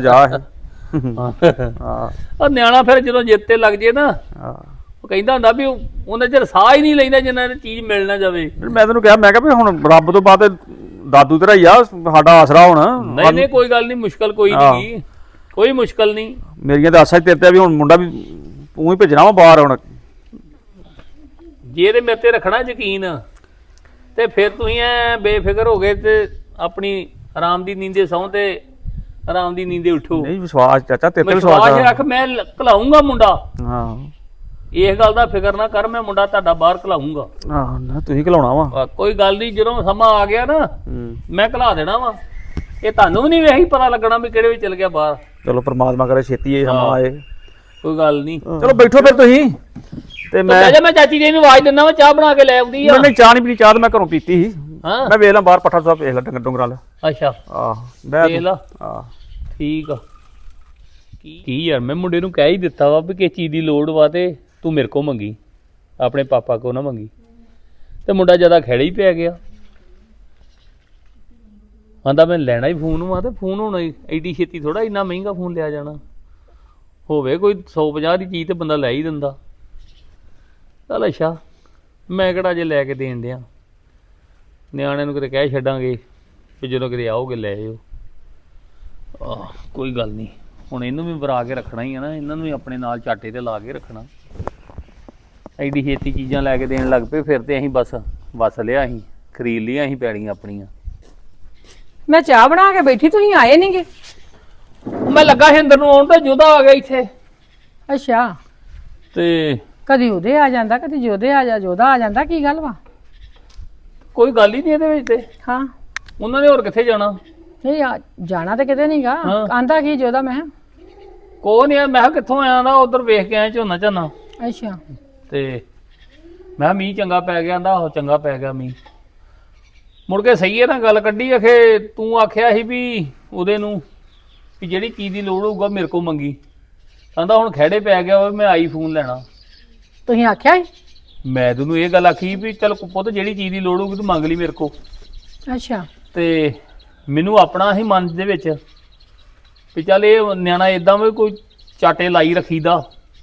A: ਹਾਂ ਉਹ ਨਿਆਣਾ ਫਿਰ ਜਦੋਂ ਜਿੱਤ ਤੇ ਲੱਗ ਜੇ ਨਾ ਉਹ ਕਹਿੰਦਾ ਹੁੰਦਾ ਵੀ ਉਹਨੇ ਚਿਰ ਸਾਹ ਹੀ ਨਹੀਂ ਲੈਂਦਾ ਜਿੰਨਾ ਚੀਜ਼ ਮਿਲ ਨਾ ਜਾਵੇ।
E: ਮੈਂ ਤੈਨੂੰ ਕਿਹਾ ਮੈਂ ਕਿਹਾ ਵੀ ਹੁਣ ਰੱਬ ਤੋਂ ਬਾਅਦ ਦਾਦੂ ਤੇਰਾ ਹੀ ਆ ਸਾਡਾ ਆਸਰਾ ਹੁਣ।
A: ਨਹੀਂ ਕੋਈ ਗੱਲ ਨਹੀਂ ਮੁਸ਼ਕਲ ਕੋਈ ਨਹੀਂ ਕੋਈ ਮੁਸ਼ਕਲ ਨਹੀਂ।
E: ਮੇਰੀਆਂ ਤਾਂ ਆਸਾਂ ਹੀ ਤੇਰੇ ਤੇ ਵੀ ਹੁਣ ਮੁੰਡਾ ਵੀ ਤੂੰ ਹੀ ਭੇਜਣਾ ਵਾ ਬਾਹਰ ਹੁਣ।
A: ਜੇ ਤੇ ਮੇਰੇ ਤੇ ਰੱਖਣਾ ਯਕੀਨ ਤੇ ਫਿਰ ਤੁਸੀਂ ਐ ਬੇਫਿਕਰ ਹੋ ਗਏ ਤੇ ਆਪਣੀ ਆਰਾਮ ਦੀ ਨੀਂਦੇ ਸੌਂ ਤੇ ਆਰਾਮ ਦੀ ਨੀਂਦੇ ਉਠੋ।
E: ਨਹੀਂ ਵਿਸ਼ਵਾਸ ਚਾਚਾ ਤੇਰੇ ਤੇ
A: ਵਿਸ਼ਵਾਸ ਰੱਖ ਮੈਂ ਘਲਾਉਂਗਾ ਮੁੰਡਾ।
E: ਹਾਂ
A: ਇਸ ਗੱਲ ਦਾ ਫਿਕਰ ਨਾ ਕਰ ਮੈਂ ਮੁੰਡਾ ਤੁਹਾਡਾ ਬਾਹਰ ਘਲਾਉਂਗਾ।
E: ਆਹ ਨਾ ਤੁਸੀਂ ਘਲਾਉਣਾ ਵਾ
A: ਕੋਈ ਗੱਲ ਨਹੀਂ ਜਦੋਂ ਸਮਾਂ ਆ ਗਿਆ ਨਾ ਮੈਂ ਘਲਾ ਦੇਣਾ ਵਾ। ਇਹ ਤੁਹਾਨੂੰ ਵੀ ਨਹੀਂ ਵੇਹੀ ਪਤਾ ਲੱਗਣਾ ਵੀ ਕਿਹੜੇ ਵਿੱਚ ਚਲ ਗਿਆ ਬਾਹਰ।
E: ਚਲੋ ਪ੍ਰਮਾਤਮਾ ਕਰੇ ਛੇਤੀ ਇਹ ਸਮਾਂ ਆਏ।
A: ਕੋਈ ਗੱਲ ਨਹੀਂ
E: ਚਲੋ ਬੈਠੋ ਫਿਰ ਤੁਸੀਂ ਤੇ
A: ਮੈਂ ਚਾਚੀ ਜੀ ਨੂੰ ਆਵਾਜ਼ ਦਿੰਦਾ ਵਾ ਚਾਹ ਬਣਾ ਕੇ ਲੈ ਆਉਂਦੀ ਆ।
E: ਨਹੀਂ ਚਾਹ ਨਹੀਂ ਪੀਣੀ ਚਾਹ ਤਾਂ ਮੈਂ ਘਰੋਂ ਪੀਤੀ ਸੀ।
A: ਹਾਂ
E: ਮੈਂ ਵੇਖ ਲਾਂ ਬਾਹਰ ਪੱਠਾ ਸਾਹਿਬ ਵੇਖ ਲਾਂ ਡੰਗਰਾਂ ਦਾ।
A: ਅੱਛਾ
E: ਆਹ ਵੇਖ
A: ਲਾ ਠੀਕ ਆ। ਕੀ ਯਾਰ ਮੈਂ ਮੁੰਡੇ ਨੂੰ ਕਹਿ ਹੀ ਦਿੱਤਾ ਵਾ ਵੀ ਕਿਸ ਚੀਜ਼ ਦੀ ਲੋੜ ਵਾ ਤੇ ਤੂੰ ਮੇਰੇ ਕੋ ਮੰਗੀ ਆਪਣੇ ਪਾਪਾ ਕੋ ਨਾ ਮੰਗੀ ਤੇ ਮੁੰਡਾ ਜ਼ਿਆਦਾ ਖੇੜੇ ਹੀ ਪੈ ਗਿਆ। ਆਂਦਾ ਮੈਂ ਲੈਣਾ ਹੀ ਫੋਨ ਵਾ ਤੇ ਫੋਨ ਹੋਣਾ ਐਡੀ ਛੇਤੀ ਥੋੜਾ ਇੰਨਾ ਮਹਿੰਗਾ ਫੋਨ ਲਿਆ ਜਾਣਾ ਹੋਵੇ ਕੋਈ 150 ਦੀ ਚੀਜ਼ ਤੇ ਬੰਦਾ ਲੈ ਹੀ ਦਿੰਦਾ। ਚੱਲ ਅੱਛਾ ਮੈਂ ਕਿਹੜਾ ਜੇ ਲੈ ਕੇ ਦੇਣ ਡਿਆ ਨਿਆਣਿਆਂ ਨੂੰ ਕਿਤੇ ਕਹਿ ਛੱਡਾਂਗੇ ਵੀ ਜਦੋਂ ਕਿਤੇ ਆਓਗੇ ਲੈ ਆਇਓ। ਕੋਈ ਗੱਲ ਨਹੀਂ ਹੁਣ ਇਹਨੂੰ ਵੀ ਵਰਾ ਕੇ ਰੱਖਣਾ ਹੀ ਆ ਨਾ ਇਹਨਾਂ ਨੂੰ ਵੀ ਆਪਣੇ ਨਾਲ ਚਾਟੇ ਤੇ ਲਾ ਕੇ ਰੱਖਣਾ। ਐਡੀ ਛੇਤੀ ਚੀਜ਼ਾਂ ਲੈ ਕੇ ਦੇਣ ਲੱਗ ਪਏ ਫਿਰ ਤੇ ਅਸੀਂ ਬਸ ਲਿਆ ਅਸੀਂ ਖਰੀਦ ਲਿਆ ਅਸੀਂ ਪੈੜੀਆਂ ਆਪਣੀਆਂ।
B: ਮੈਂ ਚਾਹ ਬਣਾ ਕੇ ਬੈਠੀ ਤੁਸੀਂ ਆਏ ਨਹੀਂਗੇ।
A: ਮੈਂ ਲੱਗਾ ਸੀ ਅੰਦਰ ਨੂੰ ਆਉਣ ਤੇ ਜੋਦਾ ਆ ਗਿਆ ਇੱਥੇ
B: ਅੱਛਾ
A: ਤੇ
B: ਕਦੀ ਉਹਦੇ ਆ ਜਾਂਦਾ ਕਦੀ ਜੋਦੇ ਆ ਜੋਦਾ ਆ ਜਾਂਦਾ ਕੀ ਗੱਲ ਵਾ।
A: ਕੋਈ ਗੱਲ ਹੀ ਨਹੀਂ ਇਹਦੇ ਵਿੱਚ ਤੇ
B: ਹਾਂ
A: ਉਹਨਾਂ ਨੇ ਹੋਰ ਕਿੱਥੇ ਜਾਣਾ।
B: ਨਹੀਂ ਜਾਣਾ ਤੇ ਕਿਤੇ ਨਹੀਂਗਾ ਆਂਦਾ ਕੀ ਜੋਦਾ ਮੈਂ
A: ਕੋਈ ਨਹੀਂ ਮੈਂ ਕਿਹਾ ਕਿੱਥੋਂ ਆਇਆ ਦਾ ਉਧਰ ਵੇਖ ਕੇ ਆਇਆ ਝੋਨਾ ਝਾਨਾ
B: ਅੱਛਾ
A: ਤੇ ਮੈਂ ਕਿਹਾ ਮੀਂਹ ਚੰਗਾ ਪੈ ਗਿਆ, ਕਹਿੰਦਾ ਆਹੋ ਚੰਗਾ ਪੈ ਗਿਆ ਮੀਂਹ। ਮੁੜ ਕੇ ਸਹੀ ਹੈ ਨਾ ਗੱਲ ਕੱਢੀ, ਆਖੇ ਤੂੰ ਆਖਿਆ ਸੀ ਵੀ ਉਹਦੇ ਨੂੰ ਵੀ ਜਿਹੜੀ ਚੀਜ਼ ਦੀ ਲੋੜ ਹੋਊਗਾ ਮੇਰੇ ਕੋਲ ਮੰਗੀ। ਕਹਿੰਦਾ ਹੁਣ ਖਹਿੜੇ ਪੈ ਗਿਆ ਵਾ ਮੈਂ ਆਈਫੋਨ ਲੈਣਾ।
B: ਤੁਸੀਂ ਆਖਿਆ ਸੀ?
A: ਮੈਂ ਤੈਨੂੰ ਇਹ ਗੱਲ ਆਖੀ ਵੀ ਚੱਲ ਪੁੱਤ ਜਿਹੜੀ ਚੀਜ਼ ਦੀ ਲੋੜ ਹੋਊਗੀ ਤੂੰ ਮੰਗ ਲਈ ਮੇਰੇ ਕੋਲ।
B: ਅੱਛਾ।
A: ਤੇ ਮੈਨੂੰ ਆਪਣਾ ਹੀ ਮਨ ਦੇ ਵਿੱਚ ਵੀ ਚੱਲ ਇਹ ਨਿਆਣਾ ਇਦਾਂ ਵੀ ਕੋਈ ਚਾਟੇ ਲਾਈ ਰੱਖੀਦਾ,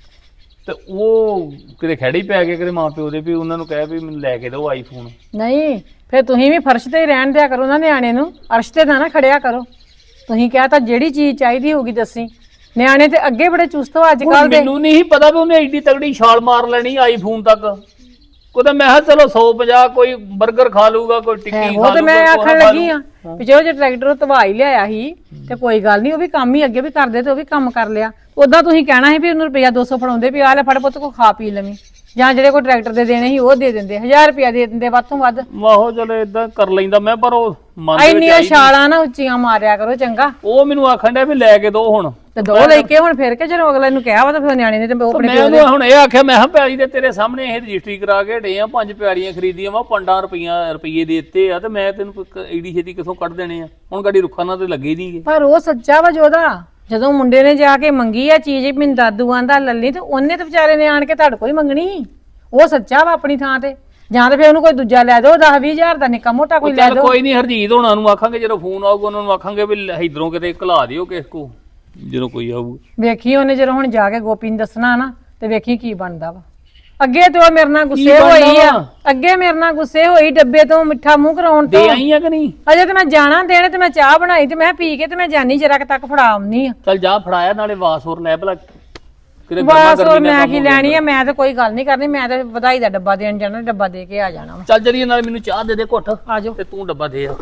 A: ਤੇ ਉਹ ਕਿਤੇ ਖਹਿੜੇ ਹੀ ਪੈ ਗਏ ਕਿਤੇ ਮਾਂ ਪਿਓ ਦੇ ਵੀ ਉਹਨਾਂ ਨੂੰ ਕਹਿ ਵੀ ਮੈਨੂੰ ਲੈ ਕੇ ਦਿਓ ਆਈਫੋਨ।
B: ਨਹੀਂ ਫਿਰ ਤੁਸੀਂ ਵੀ ਫਰਸ਼ ਤੇ ਹੀ ਰਹਿਣ ਦਿਆ ਕਰੋ ਨਾ ਨਿਆਣੇ ਨੂੰ, ਅਰਸ਼ ਤੇ ਨਾ ਖੜਿਆ ਕਰੋ। ਤੁਸੀਂ ਕਿਹਾ ਤਾਂ ਜਿਹੜੀ ਚੀਜ਼ ਚਾਹੀਦੀ ਹੋਊਗੀ ਦੱਸੀ। ਨਿਆਣੇ ਤੇ ਅੱਗੇ ਬੜੇ ਚੁਸਤ ਹੋ ਅੱਜ ਕੱਲ ਦੇ।
A: ਮੈਨੂੰ ਨਹੀਂ ਪਤਾ ਵੀ ਉਹਨੇ ਐਡੀ ਤਗੜੀ ਛਾਲ ਮਾਰ ਲੈਣੀ ਆਈਫੋਨ ਤੱਕ। ਕੋਈ ਤਾਂ ਮੈਂ ਕਿਹਾ ਚਲੋ 150 ਕੋਈ 버ਗਰ ਖਾ ਲੂਗਾ, ਕੋਈ ਟਿੱਕੀ ਖਾ ਲੂਗਾ।
B: ਉਹ ਤੇ ਮੈਂ ਆਖਣ ਲੱਗੀ ਆ ਵੀ ਜੋ ਜੇ ਟਰੈਕਟਰ ਧਵਾ ਹੀ ਲਿਆਇਆ ਸੀ ਤੇ ਕੋਈ ਗੱਲ ਨਹੀਂ, ਉਹ ਵੀ ਕੰਮ ਹੀ ਅੱਗੇ ਵੀ ਕਰਦੇ ਤੇ ਉਹ ਵੀ ਕੰਮ ਕਰ ਲਿਆ। ਉਦਾਂ ਤੁਸੀਂ ਕਹਿਣਾ ਸੀ ਵੀ ਉਹਨੂੰ ਰੁਪਇਆ 200 ਫੜਾਉਂਦੇ ਵੀ ਆ ਲੈ ਫੜ ਪੁੱਤ ਕੋ ਖਾ ਪੀ ਲਵੀਂ, ਜਾਂ ਜਿਹੜੇ ਕੋਈ ਟਰੈਕਟਰ ਦੇ ਦੇਣੇ ਸੀ ਉਹ ਦੇ ਦਿੰਦੇ, 1000 ਰੁਪਇਆ ਦੇ ਦਿੰਦੇ ਵੱਧ ਤੋਂ ਵੱਧ।
A: ਆਹੋ ਚਲੋ ਇਦਾਂ ਕਰ ਲੈਂਦਾ ਮੈਂ, ਪਰ ਉਹ ਮਨ ਦੇ ਵਿੱਚ
B: ਇੰਨੀਆਂ ਛਾਲਾਂ ਨਾ ਉੱਚੀਆਂ ਮਾਰਿਆ ਕਰੋ ਚੰਗਾ।
A: ਉਹ ਮੈਨੂੰ ਆਖਣ ਡਿਆ ਵੀ ਲੈ ਕੇ ਦੋ ਹੁਣ,
B: ਤੇ ਦੋ ਲੈ ਕੇ ਹੁਣ ਫਿਰ ਕੇ ਜਦੋਂ ਅਗਲੇ ਨੂੰ ਕਿਹਾ ਵਾ ਤਾਂ ਫਿਰ ਨਿਆਣੇ ਨੇ ਤੇ ਉਹ ਆਪਣੇ
A: ਮੈਂ ਉਹਨੂੰ ਹੁਣ ਇਹ ਆਖਿਆ ਮੈਂ ਕਿਹਾ ਪਿਆਰੀ ਦੇ ਤੇਰੇ ਸਾਹਮਣੇ ਇਹ ਰਜਿਸਟਰੀ ਕਰਾ ਕੇ ਡੇ ਆ, 5 ਪਿਆਰੀਆਂ ਖਰੀਦੀਆਂ ਵਾ, 5 ਰੁਪਏ ਦੇ ਦਿੱਤੇ ਆ, ਤੇ ਮੈਂ ਤੈਨੂੰ ਏਡੀ ਛੇਤੀ ਕਿੱਥੋਂ ਕੱਢ ਦੇਣੇ ਆ? ਹੁਣ ਗਾੜੀ ਰੁੱਖਾਂ ਨਾਲ ਤੇ ਲੱਗੇ ਨਹੀਂਗੇ।
B: ਪਰ ਉਹ ਸੱਚਾ ਵਾ ਜੋਦਾ, ਜਦੋਂ ਮੁੰਡੇ ਨੇ ਜਾ ਕੇ ਮੰਗੀ ਆ ਚੀਜ਼ ਮੈਨੂੰ ਦਾਦੂ ਆਂਦਾ ਲੱਲੀ, ਤੇ ਉਹਨੇ ਤੇ ਵਿਚਾਰੇ ਨੇ ਆਣ ਕੇ ਤੁਹਾਡੇ ਕੋਲ ਹੀ ਮੰਗਣੀ। ਉਹ ਸੱਚਾ ਵਾ ਆਪਣੀ ਥਾਂ ਤੇ। ਜਾਂ ਤੇ ਫਿਰ ਉਹਨੂੰ ਕੋਈ ਦੂਜਾ ਲੈ ਦਿਓ 10-20 ਹਜ਼ਾਰ ਦਾ ਨਿੱਕਾ ਮੋਟਾ ਕੋਈ ਲੈ
A: ਚੱਲ
B: ਦਿਓ।
A: ਕੋਈ ਨਹੀਂ, ਹਰਜੀਤ ਹੋਣਾ ਨੂੰ ਆਖਾਂਗੇ ਜਦੋਂ ਫੋਨ ਆਊਗਾ ਉਹਨਾਂ ਨੂੰ ਆਖਾਂਗੇ ਵੀ ਇਧਰੋਂ ਕਿਤੇ ਘਲਾ ਦਿਓ ਕਿਸ ਕੋ ਜਦੋਂ ਕੋਈ ਆਊਗਾ।
B: ਵੇਖੀ ਉਹਨੇ ਜਦੋਂ ਹੁਣ ਜਾ ਕੇ ਗੋਪੀ ਨੂੰ ਦੱਸਣਾ ਨਾ ਤੇ ਵੇਖੀ ਕੀ ਬਣਦਾ ਵਾ। ਅੱਗੇ ਤੇ ਉਹ ਮੇਰੇ ਨਾਲ ਗੁੱਸੇ ਹੋਈ ਆ, ਅੱਗੇ ਮੇਰੇ ਨਾਲ ਗੁੱਸੇ ਹੋਈ ਡੱਬੇ ਤੋਂ ਮਿੱਠਾ ਮੂੰਹ ਕਰਾਉਣ ਤੋਂ।
A: ਦੇ ਆਈ ਆ ਕਿ ਨਹੀਂ?
B: ਅਜੇ ਤੇ ਮੈਂ ਜਾਣਾ ਦੇਣ, ਤੇ ਮੈਂ ਚਾਹ ਬਣਾਈ ਤੇ ਮੈਂ ਪੀ ਕੇ ਤੇ ਮੈਂ ਜਾਨੀ ਜਰਾ ਤੱਕ ਫੜਾ ਆਉਣੀ ਆ।
A: ਚੱਲ ਜਾ ਫੜਾਇਆ, ਨਾਲੇ ਵਾਸ ਹੋਰ ਲੈ ਭਲਾ ਕਿਤੇ
B: ਬਸ ਹੋਰ ਮੈਂ ਕੀ ਲੈਣੀ ਆ, ਮੈਂ ਤਾਂ ਕੋਈ ਗੱਲ ਨਹੀਂ ਕਰਨੀ, ਮੈਂ ਤਾਂ ਵਧਾਈ ਦਾ ਡੱਬਾ ਦੇਣ ਜਾਣਾ, ਡੱਬਾ ਦੇ ਕੇ ਆ ਜਾਣਾ ਵਾ।
A: ਚੱਲ ਜਰੀਏ ਨਾਲ ਮੈਨੂੰ ਚਾਹ ਦੇ ਦੇ ਘੁੱਟ,
B: ਆ ਜਾਓ।
A: ਤੇ ਤੂੰ ਡੱਬਾ ਦੇ ਆ।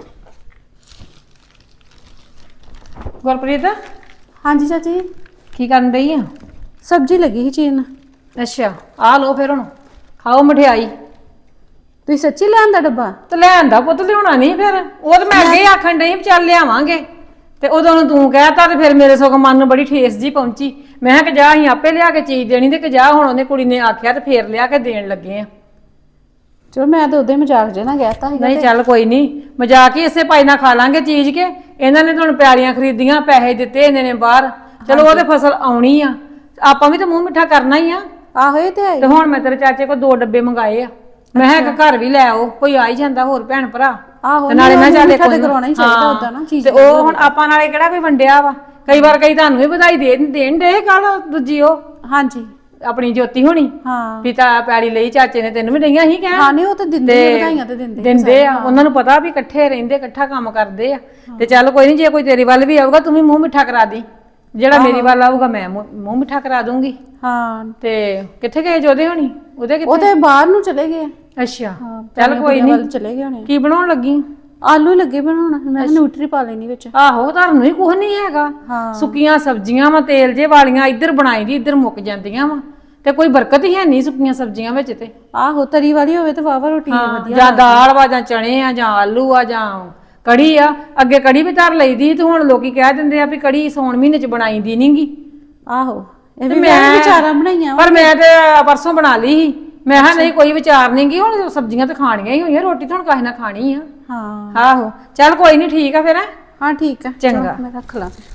B: ਗੁਰਪ੍ਰੀਤ
D: ਹਾਂਜੀ ਚਾਚੀ ਜੀ,
B: ਕੀ ਕਰਨ ਰਹੀ ਆ?
D: ਸਬਜ਼ੀ ਲੱਗੀ ਸੀ ਚੀਨ।
B: ਅੱਛਾ ਆ ਲਓ ਫਿਰ ਹੁਣ ਖਾਓ ਮਠਿਆਈ।
D: ਤੁਸੀਂ ਸੱਚੀ ਲਿਆਂਦਾ ਡੱਬਾ?
B: ਤੇ ਲੈ ਆਂਦਾ ਪੁੱਤ, ਲਿਆਉਣਾ ਨਹੀਂ ਫਿਰ? ਉਹ ਤਾਂ ਮੈਂ ਅੱਗੇ ਹੀ ਆਖਣ ਡਈ ਵੀ ਚੱਲ ਲਿਆਵਾਂਗੇ, ਤੇ ਉਦੋਂ ਨੂੰ ਤੂੰ ਕਹਿਤਾ ਤੇ ਫਿਰ ਮੇਰੇ ਸਗੋਂ ਮਨ ਨੂੰ ਬੜੀ ਠੇਸ ਜੀ ਪਹੁੰਚੀ। ਮੈਂ ਕਿਹਾ ਕਿ ਜਾ ਅਸੀਂ ਆਪੇ ਲਿਆ ਕੇ ਚੀਜ਼ ਦੇਣੀ, ਤੇ ਕਿ ਜਾ ਹੁਣ ਉਹਨੇ ਕੁੜੀ ਨੇ ਆਖਿਆ ਤੇ ਫੇਰ ਲਿਆ ਕੇ ਦੇਣ ਲੱਗੇ ਆ।
D: ਚਲੋ ਮੈਂ ਤਾਂ ਉਦੋਂ ਹੀ ਮਜ਼ਾਕ ਜੇ ਨਾ ਕਹਿਤਾ ਸੀਗਾ।
B: ਨਹੀਂ ਚੱਲ ਕੋਈ ਨਹੀਂ, ਮਜ਼ਾਕ ਹੀ ਇਸੇ ਭਾਈ ਨਾਲ ਖਾ ਲਾਂਗੇ ਚੀਜ਼ ਕੇ। ਇਹਨਾਂ ਨੇ ਤੁਹਾਨੂੰ ਪਿਆਲੀਆਂ ਖਰੀਦੀਆਂ, ਪੈਸੇ ਦਿੱਤੇ ਇਹਨਾਂ ਨੇ ਬਾਹਰ, ਚਲੋ ਉਹਦੇ ਫਸਲ ਆਉਣੀ ਆ, ਆਪਾਂ ਵੀ ਤਾਂ ਮੂੰਹ ਮਿੱਠਾ ਕਰਨਾ ਹੀ ਆ।
D: ਆਹੋ ਇਹ ਤੇ ਹੈ।
B: ਤੇ ਹੁਣ ਮੈਂ ਤੇਰੇ ਚਾਚੇ ਕੋਲ 2 ਡੱਬੇ ਮੰਗਾਏ ਆ, ਮੈਂ ਕਿਹਾ ਇੱਕ ਘਰ ਵੀ ਲੈ ਆਓ, ਕੋਈ ਆ ਹੀ ਜਾਂਦਾ ਹੋਰ ਭੈਣ ਭਰਾ।
D: ਆਹੋ
B: ਤੇ ਨਾਲੇ ਮੈਂ ਚੱਲ
D: ਕੋਈ ਕਰਾਉਣਾ ਹੀ ਚਾਹੀਦਾ ਉਦਾਂ ਨਾ ਚੀਜ਼।
B: ਤੇ ਉਹ ਹੁਣ ਆਪਾਂ ਨਾਲੇ ਕਿਹੜਾ ਕੋਈ ਵੰਡਿਆ ਵਾ, ਕਈ ਵਾਰ ਕਈ ਤੁਹਾਨੂੰ ਵੀ ਵਧਾਈ ਦੇਣ ਦੇ ਕੱਲ ਦੂਜੀ ਉਹ
D: ਹਾਂਜੀ
B: ਆਪਣੀ ਜੋਤੀ ਹੋਣੀ
D: ਹਾਂ
B: ਪਿਤਾ ਪੈੜੀ ਲਈ ਚਾਚੇ ਨੇ ਤੈਨੂੰ ਵੀ ਦਈਆਂ ਸੀ ਕਹਿਣ।
D: ਹਾਂ ਨਹੀਂ ਉਹ ਤਾਂ ਦਿੰਦੇ ਆ, ਵਧਾਈਆਂ ਤਾਂ
B: ਦਿੰਦੇ ਆ, ਉਹਨਾਂ ਨੂੰ ਪਤਾ ਵੀ ਇਕੱਠੇ ਰਹਿੰਦੇ ਇਕੱਠਾ ਕੰਮ ਕਰਦੇ ਆ। ਤੇ ਚੱਲ ਕੋਈ ਨਹੀਂ, ਜੇ ਕੋਈ ਤੇਰੀ ਵੱਲ ਵੀ ਆਊਗਾ ਤੂੰ ਵੀ ਮੂੰਹ ਮਿੱਠਾ ਕਰਾ ਦੀ, ਜਿਹੜਾ ਮੇਰੀ ਵੱਲ ਆਊਗਾ ਮੈਂ ਮੂੰਹ ਮਿੱਠਾ ਕਰਾ ਦੂੰਗੀ।
D: ਹਾਂ
B: ਤੇ ਕਿੱਥੇ ਗਏ ਜੋਦੇ ਹੋਣੀ? ਉਹਦੇ
D: ਉਹ
B: ਕਿੱਥੇ?
D: ਤੇ ਬਾਹਰ ਨੂੰ ਚਲੇ ਗਏ।
B: ਅੱਛਾ ਚੱਲ ਕੋਈ ਨਹੀਂ,
D: ਚਲੇ ਗਏ ਹੋਣੇ।
B: ਕੀ ਬਣਾਉਣ ਲੱਗੀ?
D: ਆਲੂ ਲੱਗੇ ਬਣਾਉਣਾ, ਮੈਂ ਨਿਊਟਰੀ ਪਾ ਲੈਣੀ ਵਿੱਚ।
B: ਆਹੋ ਤੁਹਾਨੂੰ ਹੀ ਕੁਝ ਨਹੀਂ ਹੈਗਾ,
D: ਹਾਂ
B: ਸੁੱਕੀਆਂ ਸਬਜ਼ੀਆਂ ਵਾ ਤੇਲ ਜੇ ਵਾਲੀਆਂ, ਇੱਧਰ ਬਣਾਈ ਦੀ ਇੱਧਰ ਮੁੱਕ ਜਾਂਦੀਆਂ ਵਾ, ਤੇ ਕੋਈ ਬਰਕਤ ਹੀ ਹੈ ਨਹੀਂ ਸੁੱਕੀਆਂ ਸਬਜ਼ੀਆਂ ਵਿੱਚ। ਤੇ
D: ਆਹੋ ਤਰੀ ਵਾਲੀ ਹੋਵੇ ਤੇ ਵਾਵਾ ਰੋਟੀ ਵਧੀਆ।
B: ਜਾਂ ਦਾਲ ਵਾ, ਜਾਂ ਚਣੇ ਆ, ਜਾਂ ਆਲੂ ਆ, ਜਾਂ ਕੜੀ ਆ। ਅੱਗੇ ਕੜੀ ਵੀ ਧਰ ਲਈਦੀ, ਤੇ ਹੁਣ ਲੋਕੀ ਕਹਿ ਦਿੰਦੇ ਆ ਵੀ ਕੜੀ ਸੌਣ ਮਹੀਨੇ ਚ ਬਣਾਈਦੀ ਨਹੀਂਗੀ।
D: ਆਹੋ ਇਹ ਵੀ ਮੈਂ ਵਿਚਾਰਾਂ ਬਣਾਈਆਂ।
B: ਪਰ ਮੈਂ ਤੇ ਪਰਸੋਂ ਬਣਾ ਲਈ ਸੀ, ਮੈਂ ਕਿਹਾ ਨਹੀਂ ਕੋਈ ਵਿਚਾਰ ਨਹੀਂਗੀ, ਹੁਣ ਸਬਜ਼ੀਆਂ ਤਾਂ ਖਾਣੀਆਂ ਹੀ ਹੋਈਆਂ, ਰੋਟੀ ਤਾਂ ਹੁਣ ਕਾਹੇ ਨਾ ਖਾਣੀ ਆ।
D: ਹਾਂ
B: ਆਹੋ ਚੱਲ ਕੋਈ ਨਹੀਂ, ਠੀਕ ਆ ਫਿਰ।
D: ਹਾਂ ਠੀਕ ਆ,
B: ਚੰਗਾ।
D: ਮੈਂ ਰੱਖ ਲਾਂ ਫਿਰ।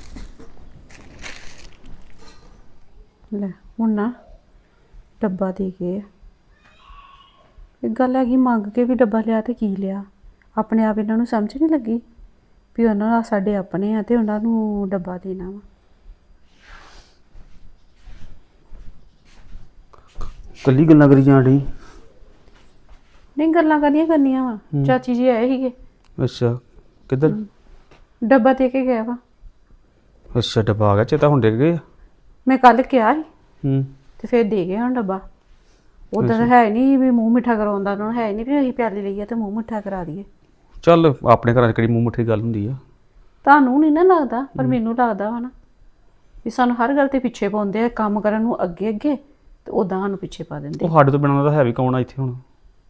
D: ਲੈ ਹੁਣ ਨਾ ਡੱਬਾ ਦੇ ਗਏ। ਇੱਕ ਗੱਲ ਹੈਗੀ, ਮੰਗ ਕੇ ਵੀ ਡੱਬਾ ਲਿਆ ਤੇ ਕੀ ਲਿਆ, ਆਪਣੇ ਆਪ ਇਹਨਾਂ ਨੂੰ ਸਮਝ ਨਹੀਂ ਲੱਗੀ ਵੀ ਉਹਨਾਂ ਦਾ ਸਾਡੇ ਆਪਣੇ ਆ ਤੇ ਉਹਨਾਂ ਨੂੰ ਡੱਬਾ ਦੇਣਾ ਵਾ।
E: ਕੱਲੀ ਗੱਲਾਂ ਕਰੀ ਜਾਣ ਡਈ।
D: ਨਹੀਂ ਗੱਲਾਂ ਕਰਨੀਆਂ ਵਾ। ਚਾਚੀ ਜੀ ਆਏ ਸੀਗੇ।
E: ਅੱਛਾ ਕਿੱਧਰ?
D: ਡੱਬਾ ਦੇ ਕੇ ਗਿਆ ਵਾ।
E: ਅੱਛਾ ਡੱਬਾ ਆ ਗਿਆ, ਚੇਤਾ ਹੁਣ ਡਿੱਗ ਗਏ।
D: ਮੈਂ ਕੱਲ ਕਿਹਾ ਸੀ
E: ਹੂੰ
D: ਤੇ ਫਿਰ ਦੇ ਗਏ ਹੁਣ ਡੱਬਾ। ਉਦਾਂ ਤਾਂ ਹੈ ਨਹੀਂ ਵੀ ਮੂੰਹ ਮਿੱਠਾ ਕਰਾਉਂਦਾ ਉਹਨਾਂ ਨੂੰ, ਹੈ ਨਹੀਂ ਵੀ ਅਸੀਂ ਪਿਆਲੀ ਲਈਏ ਤੇ ਮੂੰਹ ਮਿੱਠਾ ਕਰਾ ਦਈਏ।
E: ਚੱਲ ਆਪਣੇ ਘਰਾਂ 'ਚ ਕਿਹੜੀ ਮੂੰਹ ਮਿੱਠੀ ਗੱਲ ਹੁੰਦੀ ਆ।
D: ਤੁਹਾਨੂੰ ਨਹੀਂ ਨਾ ਲੱਗਦਾ, ਪਰ ਮੈਨੂੰ ਲੱਗਦਾ ਵਾ ਨਾ ਵੀ ਸਾਨੂੰ ਹਰ ਗੱਲ ਤੇ ਪਿੱਛੇ ਪਾਉਂਦੇ ਆ, ਕੰਮ ਕਰਨ ਨੂੰ ਅੱਗੇ ਅੱਗੇ ਤੇ ਉਦਾਂ ਸਾਨੂੰ ਪਿੱਛੇ ਪਾ ਦਿੰਦੇ।
E: ਉਹ ਸਾਡੇ ਤੋਂ ਬਿਨਾਂ ਤਾਂ ਹੈ ਵੀ ਕੌਣ ਆ ਇੱਥੇ ਹੁਣ?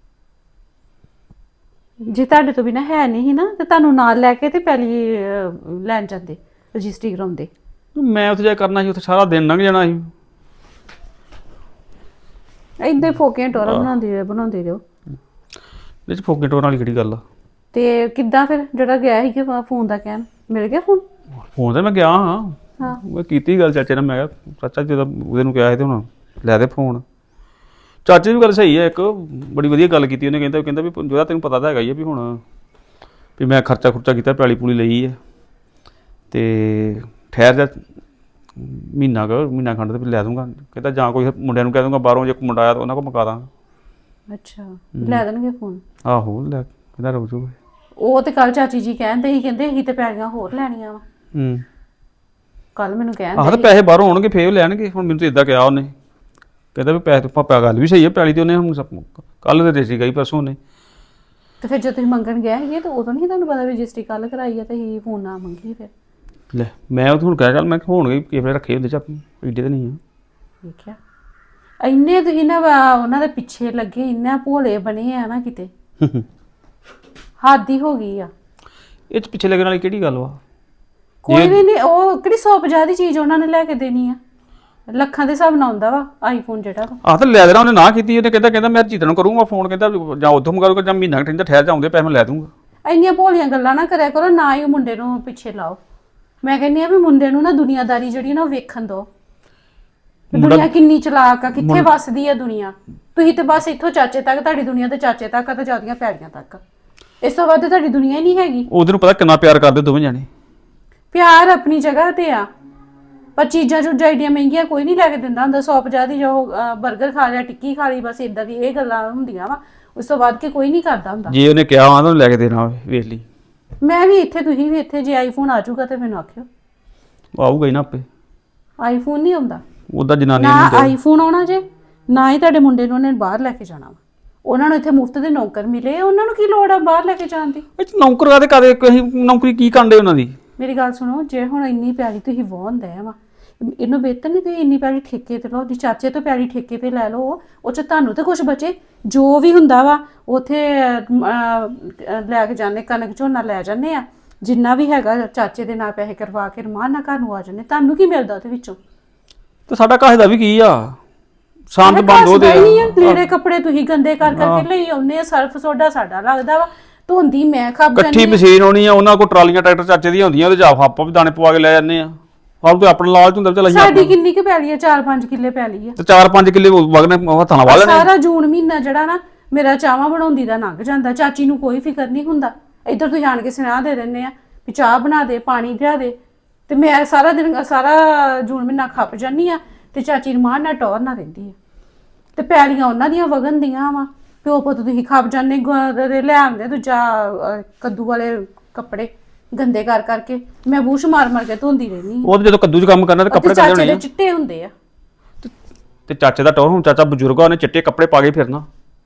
D: ਜੇ ਤੁਹਾਡੇ ਤੋਂ ਬਿਨਾਂ ਹੈ ਨਹੀਂ ਸੀ ਨਾ ਤੇ ਤੁਹਾਨੂੰ ਨਾਲ ਲੈ ਕੇ ਤੇ ਪਿਆਲੀ ਲੈਣ ਜਾਂਦੇ, ਰਜਿਸਟਰੀ ਕਰਾਉਂਦੇ।
E: ਮੈਂ ਉੱਥੇ ਜਾ ਕੇ ਕਰਨਾ ਸੀ, ਉੱਥੇ ਸਾਰਾ ਦਿਨ ਲੰਘ ਜਾਣਾ ਸੀ।
D: ਏਦਾਂ ਹੀ ਫੋਕੀਆਂ ਟੋਰਾ ਬਣਾਉਂਦੇ ਰਹੋ।
E: ਇਹ 'ਚ ਫੋਕੇ ਟੋਰਾਂ ਵਾਲੀ ਕਿਹੜੀ ਗੱਲ ਆ?
D: ਤੇ ਕਿੱਦਾਂ ਫਿਰ ਜਿਹੜਾ ਗਿਆ ਸੀ ਫੋਨ ਦਾ ਕਹਿਣ, ਮਿਲ ਗਿਆ ਫੋਨ?
E: ਫੋਨ ਤੇ ਮੈਂ ਗਿਆ ਹਾਂ,
D: ਹਾਂ
E: ਮੈਂ ਕੀਤੀ ਗੱਲ ਚਾਚੇ ਨਾਲ। ਮੈਂ ਕਿਹਾ ਚਾਚਾ ਜਦੋਂ ਉਹਦੇ ਨੂੰ ਕਿਹਾ ਸੀ ਤੇ ਹੁਣ ਲੈ ਦੇ ਫੋਨ। ਚਾਚੇ ਦੀ ਵੀ ਗੱਲ ਸਹੀ ਹੈ, ਇੱਕ ਬੜੀ ਵਧੀਆ ਗੱਲ ਕੀਤੀ ਉਹਨੇ। ਕਹਿੰਦਾ ਵੀ ਜਿਹੜਾ ਤੈਨੂੰ ਪਤਾ ਤਾਂ ਹੈਗਾ ਹੀ ਆ ਵੀ ਹੁਣ ਵੀ ਮੈਂ ਖਰਚਾ ਖੁਰਚਾ ਕੀਤਾ, ਪੈਲੀ ਪੂਲੀ ਲਈ ਹੈ, ਤੇ ਠਹਿਰ ਜਾ ਮਹੀਨਾ ਖੰਡ ਤੇ ਲੈ ਦੂੰਗਾ। ਕਹਿੰਦਾ ਜਾਂ ਕੋਈ ਮੁੰਡਿਆਂ ਨੂੰ ਕਹਿ ਦੂੰਗਾ ਬਾਹਰੋਂ, ਜੇ ਕੋਈ ਮੁੰਡਾ ਆਇਆ ਤਾਂ ਉਹਨਾਂ ਕੋਲ ਮੁਕਾ ਦਾਂਗਾ।
D: ਅੱਛਾ, ਲੈ ਦੇਣਗੇ ਫੋਨ?
E: ਆਹੋ ਲੈ, ਕਹਿੰਦਾ ਰੁਕ ਜਾਊਗਾ।
D: ਉਹ ਤੇ ਕੱਲ ਚਾਚੀ ਜੀ ਕਹਿੰਦੇ ਅਸੀਂ ਤੇ ਪੈਲੀਆਂ ਹੋਰ ਲੈਣੀਆਂ ਵਾ। ਕੱਲ ਮੈਨੂੰ ਕਹਿੰਦੇ
E: ਆਹ ਤਾਂ ਪੈਸੇ ਬਾਹਰੋਂ ਆਉਣਗੇ ਫੇਰ ਉਹ ਲੈਣਗੇ। ਹੁਣ ਮੈਨੂੰ ਤਾਂ ਇਦਾਂ ਕਿਹਾ ਉਹਨੇ, ਕਹਿੰਦਾ ਵੀ ਪੈਸੇ ਪਾਪਾ, ਗੱਲ ਵੀ ਸਹੀ ਹੈ, ਪੈਲੀ ਤੇ ਉਹਨੇ ਹੁਣ ਕੱਲ ਦੇ ਰਜਿਸਟਰੀ ਗਈ ਪਰਸੋਂ ਉਹਨੇ।
D: ਤੇ ਫਿਰ ਜਦੋਂ ਤੁਸੀਂ ਮੰਗਣ ਗਏ ਸੀਗੇ ਤਾਂ ਉਦੋਂ ਨਹੀਂ ਤੁਹਾਨੂੰ ਪਤਾ ਵੀ ਰਜਿਸਟਰੀ ਕੱਲ ਕਰਾਈ ਆ ਤੇ ਅਸੀਂ ਫੋਨ ਨਾ ਮੰਗੀ? ਫਿਰ
E: ਲੈ ਮੈਂ ਉਹ ਹੁਣ ਕਹਿ ਚੱਲ, ਮੈਂ ਹੋਣਗੇ ਕਿਸੇ ਵੇਲੇ ਰੱਖੇ ਹੁੰਦੇ ਚ ਆਪਣੇ, ਏਡੇ ਤਾਂ ਨਹੀਂ ਆ।
D: ਦੇਖਿਆ, ਇੰਨੇ ਤੁਸੀਂ ਨਾ ਉਹਨਾਂ ਦੇ ਪਿੱਛੇ ਲੱਗੇ, ਇੰਨਾ ਭੋਲੇ ਬਣੇ ਆ ਨਾ ਕਿਤੇ ਹੱਦ ਹੀ ਹੋ ਗਈ ਆ।
E: ਇਹ 'ਚ ਪਿੱਛੇ ਲੱਗਣ ਵਾਲੀ ਕਿਹੜੀ ਗੱਲ ਵਾ?
D: ਕੋਈ ਵੀ ਨਹੀਂ, ਉਹ ਕਿਹੜੀ 150 ਦੀ ਚੀਜ਼ ਉਹਨਾਂ ਨੇ ਲੈ ਕੇ ਦੇਣੀ ਆ, ਲੱਖਾਂ ਦੇ ਹਿਸਾਬ ਨਾਲ ਆਉਂਦਾ ਵਾ ਆਈਫੋਨ ਜਿਹੜਾ ਵਾ।
E: ਆਹ ਤਾਂ ਲੈ ਦੇਣਾ ਉਹਨੇ, ਨਾ ਕੀਤੀ ਉਹਨੇ। ਕਹਿੰਦਾ ਮੈਂ ਜੀਤਨ ਨੂੰ ਕਰੂੰਗਾ ਫੋਨ, ਕਹਿੰਦਾ ਜਾਂ ਉੱਥੋਂ ਮੰਗਾਊਗਾ ਜਾਂ ਮਹੀਨਾ ਘੰਟੇ ਠਹਿਰ ਜਾਉਂਦੇ ਪੈਸੇ ਮੈਂ ਲੈ ਦੂੰਗਾ।
D: ਇੰਨੀਆਂ ਭੋਲੀਆਂ ਗੱਲਾਂ ਨਾ ਕਰਿਆ ਕਰੋ, ਨਾ ਹੀ ਉਹ ਮੁੰਡੇ ਨੂੰ ਪਿੱਛੇ ਲਾਓ। ਮੈਂ ਕਹਿੰਦੀ ਆ ਵੀ ਮੁੰਡੇ ਨੂੰ ਨਾ ਦੁਨੀਆਦਾਰੀ ਜਿਹੜੀ ਨਾ ਉਹ ਵੇਖਣ ਦਿਓ, ਦੁਨੀਆ ਕਿੰਨੀ ਚਲਾਕ ਆ, ਕਿੱਥੇ ਵੱਸਦੀ ਆ ਦੁਨੀਆ। ਤੁਸੀਂ ਤੇ ਬਸ ਇੱਥੋਂ ਚਾਚੇ ਤੱਕ, ਤੁਹਾਡੀ ਦੁਨੀਆ ਤੇ ਚਾਚੇ ਤੱਕ ਆ ਤੇ ਜਾਂਦੀਆਂ ਪੈੜੀਆਂ ਤੱਕ, ਇਸ ਤੋਂ ਵੱਧ ਤੁਹਾਡੀ ਦੁਨੀਆ ਹੀ ਨਹੀਂ ਹੈਗੀ।
E: ਉਹਦੇ ਨੂੰ ਪਤਾ ਕਿੰਨਾ ਪਿਆਰ ਕਰਦੇ ਦੋਵੇਂ ਜਾਣੇ।
D: ਪਿਆਰ ਆਪਣੀ ਜਗ੍ਹਾ ਤੇ ਆ, ਪਰ ਚੀਜ਼ਾਂ ਚੂਜ਼ਾਂ ਏਡੀਆਂ ਮਹਿੰਗੀਆਂ ਕੋਈ ਨਹੀਂ ਲੈ ਕੇ ਦਿੰਦਾ ਹੁੰਦਾ। 150 ਦੀ ਜੋ 버ਗਰ ਖਾ ਲਿਆ, ਟਿੱਕੀ ਖਾ ਲਈ, ਬਸ ਇਦਾਂ ਦੀ ਇਹ ਗੱਲਾਂ ਹੁੰਦੀਆਂ ਵਾ। ਉਸ ਤੋਂ ਬਾਅਦ ਕੇ ਕੋਈ ਨਹੀਂ ਕਰਦਾ ਹੁੰਦਾ।
E: ਜੇ ਉਹਨੇ ਕਿਹਾ ਵਾ ਤਾਂ ਲੈ ਕੇ ਦੇਣਾ, ਵੇਖ ਲਈ।
D: ਮੈਂ ਵੀ ਇੱਥੇ, ਤੁਸੀਂ ਵੀ ਇੱਥੇ, ਜੇ ਆਈਫੋਨ ਆ ਜਾਊਗਾ ਤੇ ਮੈਨੂੰ ਆਖਿਓ।
E: ਆਊਗਾ ਹੀ ਨਾ ਆਪੇ,
D: ਆਈਫੋਨ ਨਹੀਂ ਆਉਂਦਾ
E: ਉਹਦਾ ਜਨਾਨੀ
D: ਨਾ,
E: ਨੂੰ
D: ਆਈਫੋਨ ਆਉਣਾ ਜੇ ਨਾ ਹੀ ਤੁਹਾਡੇ ਮੁੰਡੇ ਨੂੰ ਉਹਨੇ ਬਾਹਰ ਲੈ ਕੇ ਜਾਣਾ ਵਾ। ਉਹਨਾਂ ਨੂੰ ਇੱਥੇ ਮੁਫਤ ਦੇ ਨੌਕਰ ਮਿਲੇ, ਉਹਨਾਂ ਨੂੰ ਕੀ ਲੋੜ ਆ ਬਾਹਰ ਲੈ ਕੇ ਜਾਣ ਦੀ?
E: ਇਹ 'ਚ ਨੌਕਰ ਕਾਹਦੇ ਕਦੇ ਕੋਈ ਨੌਕਰੀ ਕੀ ਕਾਂਡੇ ਉਹਨਾਂ ਦੀ?
D: ਮੇਰੀ ਗੱਲ ਸੁਣੋ, ਜੇ ਹੁਣ ਇੰਨੀ ਪਿਆਰੀ ਤੁਸੀਂ ਵਾਹੁੰਦੇ ਆ ਵਾ, ਇਹਨੂੰ ਬਿਹਤਰ ਨਹੀਂ ਤੁਸੀਂ ਇੰਨੀ ਪਿਆਰੀ ਠੇਕੇ ਤੇ ਲਓ, ਜੀ ਚਾਚੇ ਤੋਂ ਪਿਆਰੀ ਠੇਕੇ ਤੇ ਲੈ ਲਓ, ਉਹ 'ਚ ਤੁਹਾਨੂੰ ਤੇ ਕੁਝ ਬਚੇ। ਜੋ ਵੀ ਹੁੰਦਾ ਵਾ ਉੱਥੇ ਲੈ ਕੇ ਜਾਂਦੇ, ਕਣਕ ਝੋਨਾ ਲੈ ਜਾਂਦੇ ਆ, ਜਿੰਨਾ ਵੀ ਹੈਗਾ ਚਾਚੇ ਦੇ ਨਾਲ ਪੈਸੇ ਕਰਵਾ ਕੇ ਰਮਾਨ ਨਾਲ ਘਰ ਨੂੰ ਆ ਜਾਂਦੇ। ਤੁਹਾਨੂੰ ਕੀ ਮਿਲਦਾ ਉਹਦੇ ਵਿੱਚੋਂ?
E: ਤੇ ਸਾਡਾ ਕਾਹੇ ਦਾ ਵੀ ਕੀ ਆ, ਸ਼ਾਂਤ ਬੰਦ ਉਹਦੇ
D: ਲੀੜੇ ਕੱਪੜੇ ਤੁਸੀਂ ਗੰਦੇ ਕਰ ਕਰਕੇ ਲਈ ਆਉਂਦੇ ਆ, ਸਰਫ ਸੋਡਾ ਸਾਡਾ ਲੱਗਦਾ ਵਾ, ਧੋਂਦੀ ਮੈਂ ਖੱਬ
E: ਇਕੱਠੀ ਮਸ਼ੀਨ ਆਉਣੀ ਆ, ਉਹਨਾਂ ਕੋਲ ਟਰਾਲੀਆਂ ਟਰੈਕਟਰ ਚਾਚੇ ਦੀਆਂ ਹੁੰਦੀਆਂ, ਉਹਦੇ 'ਚ ਆਪਾਂ ਵੀ ਦਾਣੇ ਪਵਾ ਕੇ ਲੈ ਜਾਂਦੇ ਆ। ਆਪ ਤੇ ਆਪਣਾ ਲਾਲਚ ਹੁੰਦਾ ਚੱਲ
D: ਸਾਡੀ ਕਿੰਨੀ ਕੁ ਪੈਲੀ ਆ? 4-5 ਕਿੱਲੇ ਪੈਲੀ ਆ,
E: ਤੇ 4-5 ਕਿੱਲੇ ਵਗਨੇ ਹੱਥਾਂ ਨਾਲ ਵਾਹ ਲੈਣੇ।
D: ਸਾਰਾ ਜੂਨ ਮਹੀਨਾ ਜਿਹੜਾ ਨਾ ਮੇਰਾ ਚਾਵਾਂ ਬਣਾਉਂਦੀ ਦਾ ਲੰਘ ਜਾਂਦਾ। ਚਾਚੀ ਨੂੰ ਕੋਈ ਫਿਕਰ ਨਹੀਂ ਹੁੰਦਾ। ਇੱਧਰ ਤੁਸੀਂ ਆਣ ਕੇ ਸੁਣਾ ਦੇ ਦਿੰਦੇ ਆ ਵੀ ਚਾਹ ਬਣਾ ਦੇ, ਪਾਣੀ ਲਿਆ ਦੇ, ਤੇ ਮੈਂ ਸਾਰਾ ਦਿਨ, ਸਾਰਾ ਜੂਨ ਮਹੀਨਾ ਖੱਪ ਜਾਂਦੀ ਆ, ਤੇ ਚਾਚੀ ਰਮਾਨ ਨਾਲ ਟੌਰ ਨਾ ਰਹਿੰਦੀ ਆ। ਤੇ ਪੈਲੀਆਂ ਉਹਨਾਂ ਦੀਆਂ ਵਗਣ ਦੀਆਂ ਵਾ, ਪਿਓ ਪੁੱਤ ਤੁਸੀਂ ਖੱਪ ਜਾਂਦੇ, ਲੈ ਆਉਂਦੇ ਦੂਜਾ ਕੱਦੂ ਵਾਲੇ ਕੱਪੜੇ ਗੰਦੇ ਕਰ ਕਰਕੇ, ਮੈਂ ਬੂਸ਼ ਮਾਰ ਮਾਰ ਕੇ ਧੋਂਦੀ ਰਹਿੰਦੀ।
E: ਉਹ ਜਦੋਂ ਕੱਦੂ 'ਚ ਕੰਮ ਕਰਨਾ ਤੇ ਕੱਪੜੇ ਕੱਢਣੇ
D: ਚਾਚੇ
E: ਹੋਣੇ
D: ਦੇ
E: ਆ।
D: ਚਿੱਟੇ ਹੁੰਦੇ ਆ
E: ਤੇ ਚਾਚੇ ਦਾ ਟੌਰ, ਹੁਣ ਚਾਚਾ ਬਜ਼ੁਰਗ ਆ, ਉਹਨੇ ਚਿੱਟੇ ਕੱਪੜੇ ਪਾ ਕੇ ਫਿਰਨਾ,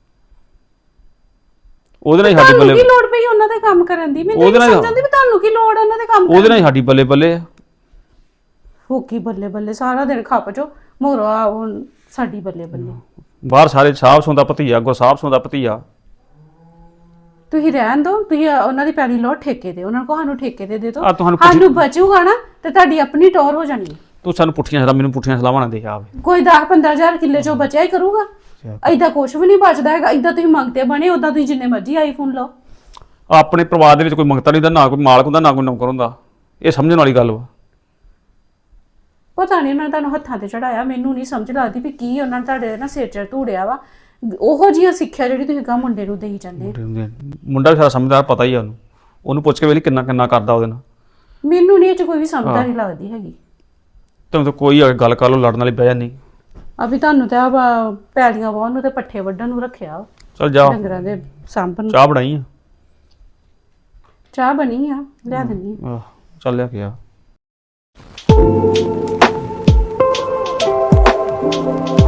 E: ਉਹਦੇ ਨਾਲ ਹੀ ਸਾਡੀ
D: ਤੁਹਾਨੂੰ
E: ਬੱਲੇ।
D: ਕੀ ਲੋੜ ਪਈ ਉਹਨਾਂ ਦੇ ਕੰਮ ਕਰਨ ਦੀ? ਮੈਨੂੰ ਨਹੀਂ ਸਮਝ ਆਉਂਦੀ ਵੀ ਤੁਹਾਨੂੰ ਕੀ ਲੋੜ ਉਹਨਾਂ ਦੇ ਕੰਮ ਕਰਨ ਦੀ।
E: ਉਹਦੇ ਨਾਲ ਹੀ ਸਾਡੀ ਬੱਲੇ ਬੱਲੇ ਆ।
D: ਹੋਕੀ ਬੱਲੇ ਬੱਲੇ ਸਾਰਾ ਦਿਨ ਖੱਪ ਚੋ ਮੋਰੋ ਆ, ਹੁਣ ਸਾਡੀ ਬੱਲੇ ਬੱਲੇ।
E: ਬਾਹਰ ਸਾਰੇ ਸਾਹਬ ਸੌਂਦਾ ਭਤੀਆ, ਅੱਗੋਂ ਸਾਹਬ ਸੌਂਦਾ ਭਤੀਆ।
D: ਤੁਸੀਂ ਰਹਿਣ ਦਿਓ, ਤੁਸੀਂ ਉਹਨਾਂ ਦੀ ਪੈਲੀ ਲਓ ਠੇਕੇ ਤੇ, ਉਹਨਾਂ ਨੂੰ ਸਾਨੂੰ ਠੇਕੇ ਤੇ ਦੇ ਦਿਓ,
E: ਆ ਤੁਹਾਨੂੰ
D: ਸਾਨੂੰ ਬਚੂਗਾ ਨਾ ਤੇ ਤੁਹਾਡੀ ਆਪਣੀ ਟੌਰ ਹੋ ਜਾਣੀ ਹੈ।
E: ਤੂੰ ਸਾਨੂੰ ਪੁੱਠੀਆਂ ਸਲਾਹ, ਮੈਨੂੰ ਪੁੱਠੀਆਂ ਸਲਾਹਾਂ ਨਾ ਦੇ ਆਵੇ।
D: ਕੋਈ 10-15 ਹਜ਼ਾਰ ਕਿੱਲੇ ਚੋਂ ਬਚਿਆ ਹੀ ਕਰੂਗਾ, ਏਦਾਂ ਕੁਝ ਵੀ ਨਹੀਂ ਬਚਦਾ ਹੈਗਾ। ਏਦਾਂ ਤੁਸੀਂ ਮੰਗਤੇ ਬਣੇ, ਉਦਾਂ ਤੁਸੀਂ ਜਿੰਨੇ ਮਰਜ਼ੀ ਆਈਫੋਨ ਲਓ।
E: ਆਪਣੇ ਪਰਿਵਾਰ ਦੇ ਵਿੱਚ ਕੋਈ ਮੰਗਤਾ ਨਹੀਂ ਹੁੰਦਾ, ਨਾ ਕੋਈ ਮਾਲਕ ਹੁੰਦਾ, ਨਾ ਕੋਈ ਨੌਕਰ ਹੁੰਦਾ। ਇਹ ਸਮਝਣ ਵਾਲੀ ਗੱਲ ਵਾ।
D: ਪਤਾ ਨਹੀਂ ਉਹਨਾਂ ਨੇ ਤੁਹਾਨੂੰ ਹੱਥਾਂ ਤੇ ਚੜਾਇਆ, ਮੈਨੂੰ ਨਹੀਂ ਸਮਝ ਲੱਗਦੀ ਵੀ ਕੀ ਉਹਨਾਂ ਨੇ ਤੁਹਾਡੇ ਨਾ ਸਿਰ 'ਚ ਧੂੜਿਆ ਵਾ। ਉਹੋ ਜਿਹੀਆਂ ਸਿੱਖਿਆ ਜਿਹੜੀ ਤੁਸੀਂ ਕਹਾਂ ਮੁੰਡੇ ਨੂੰ ਦੇਈ ਜਾਂਦੇ।
E: ਮੁੰਡਾ ਵੀ ਸਾਰਾ ਸਮਝਦਾਰ, ਪਤਾ ਹੀ ਆ ਉਹਨੂੰ। ਉਹਨੂੰ ਪੁੱਛ ਕੇ ਵੇਲੇ ਕਿੰਨਾ ਕਿੰਨਾ ਕਰਦਾ ਉਹਦੇ ਨਾਲ।
D: ਮੈਨੂੰ ਨਹੀਂ ਇਹ 'ਚ ਕੋਈ ਵੀ ਸਮਝਦਾਰੀ ਲੱਗਦੀ ਹੈਗੀ।
E: ਤੈਨੂੰ ਤਾਂ ਕੋਈ ਗੱਲ ਕਰ ਲੋ, ਲੜਨ ਵਾਲੀ ਬਹਿ ਜਾਂਦੀ।
D: ਅਭੀ ਤੁਹਾਨੂੰ ਤਾਂ ਪੈਲੀਆਂ ਵਾਹਣ ਨੂੰ ਤੇ ਪੱਠੇ ਵੱਢਣ ਨੂੰ ਰੱਖਿਆ,
E: ਚੱਲ ਜਾ,
D: ਡੰਗਰਾਂ ਦੇ ਸਾਂਭਣ ਨੂੰ।
E: ਚਾਹ ਬਣਾਈ ਆ?
D: ਚਾਹ ਬਣੀ ਆ, ਲਿਆ ਦਿੰਦੀ ਆ।
E: ਚੱਲ ਲਿਆ ਕੇ ਆ।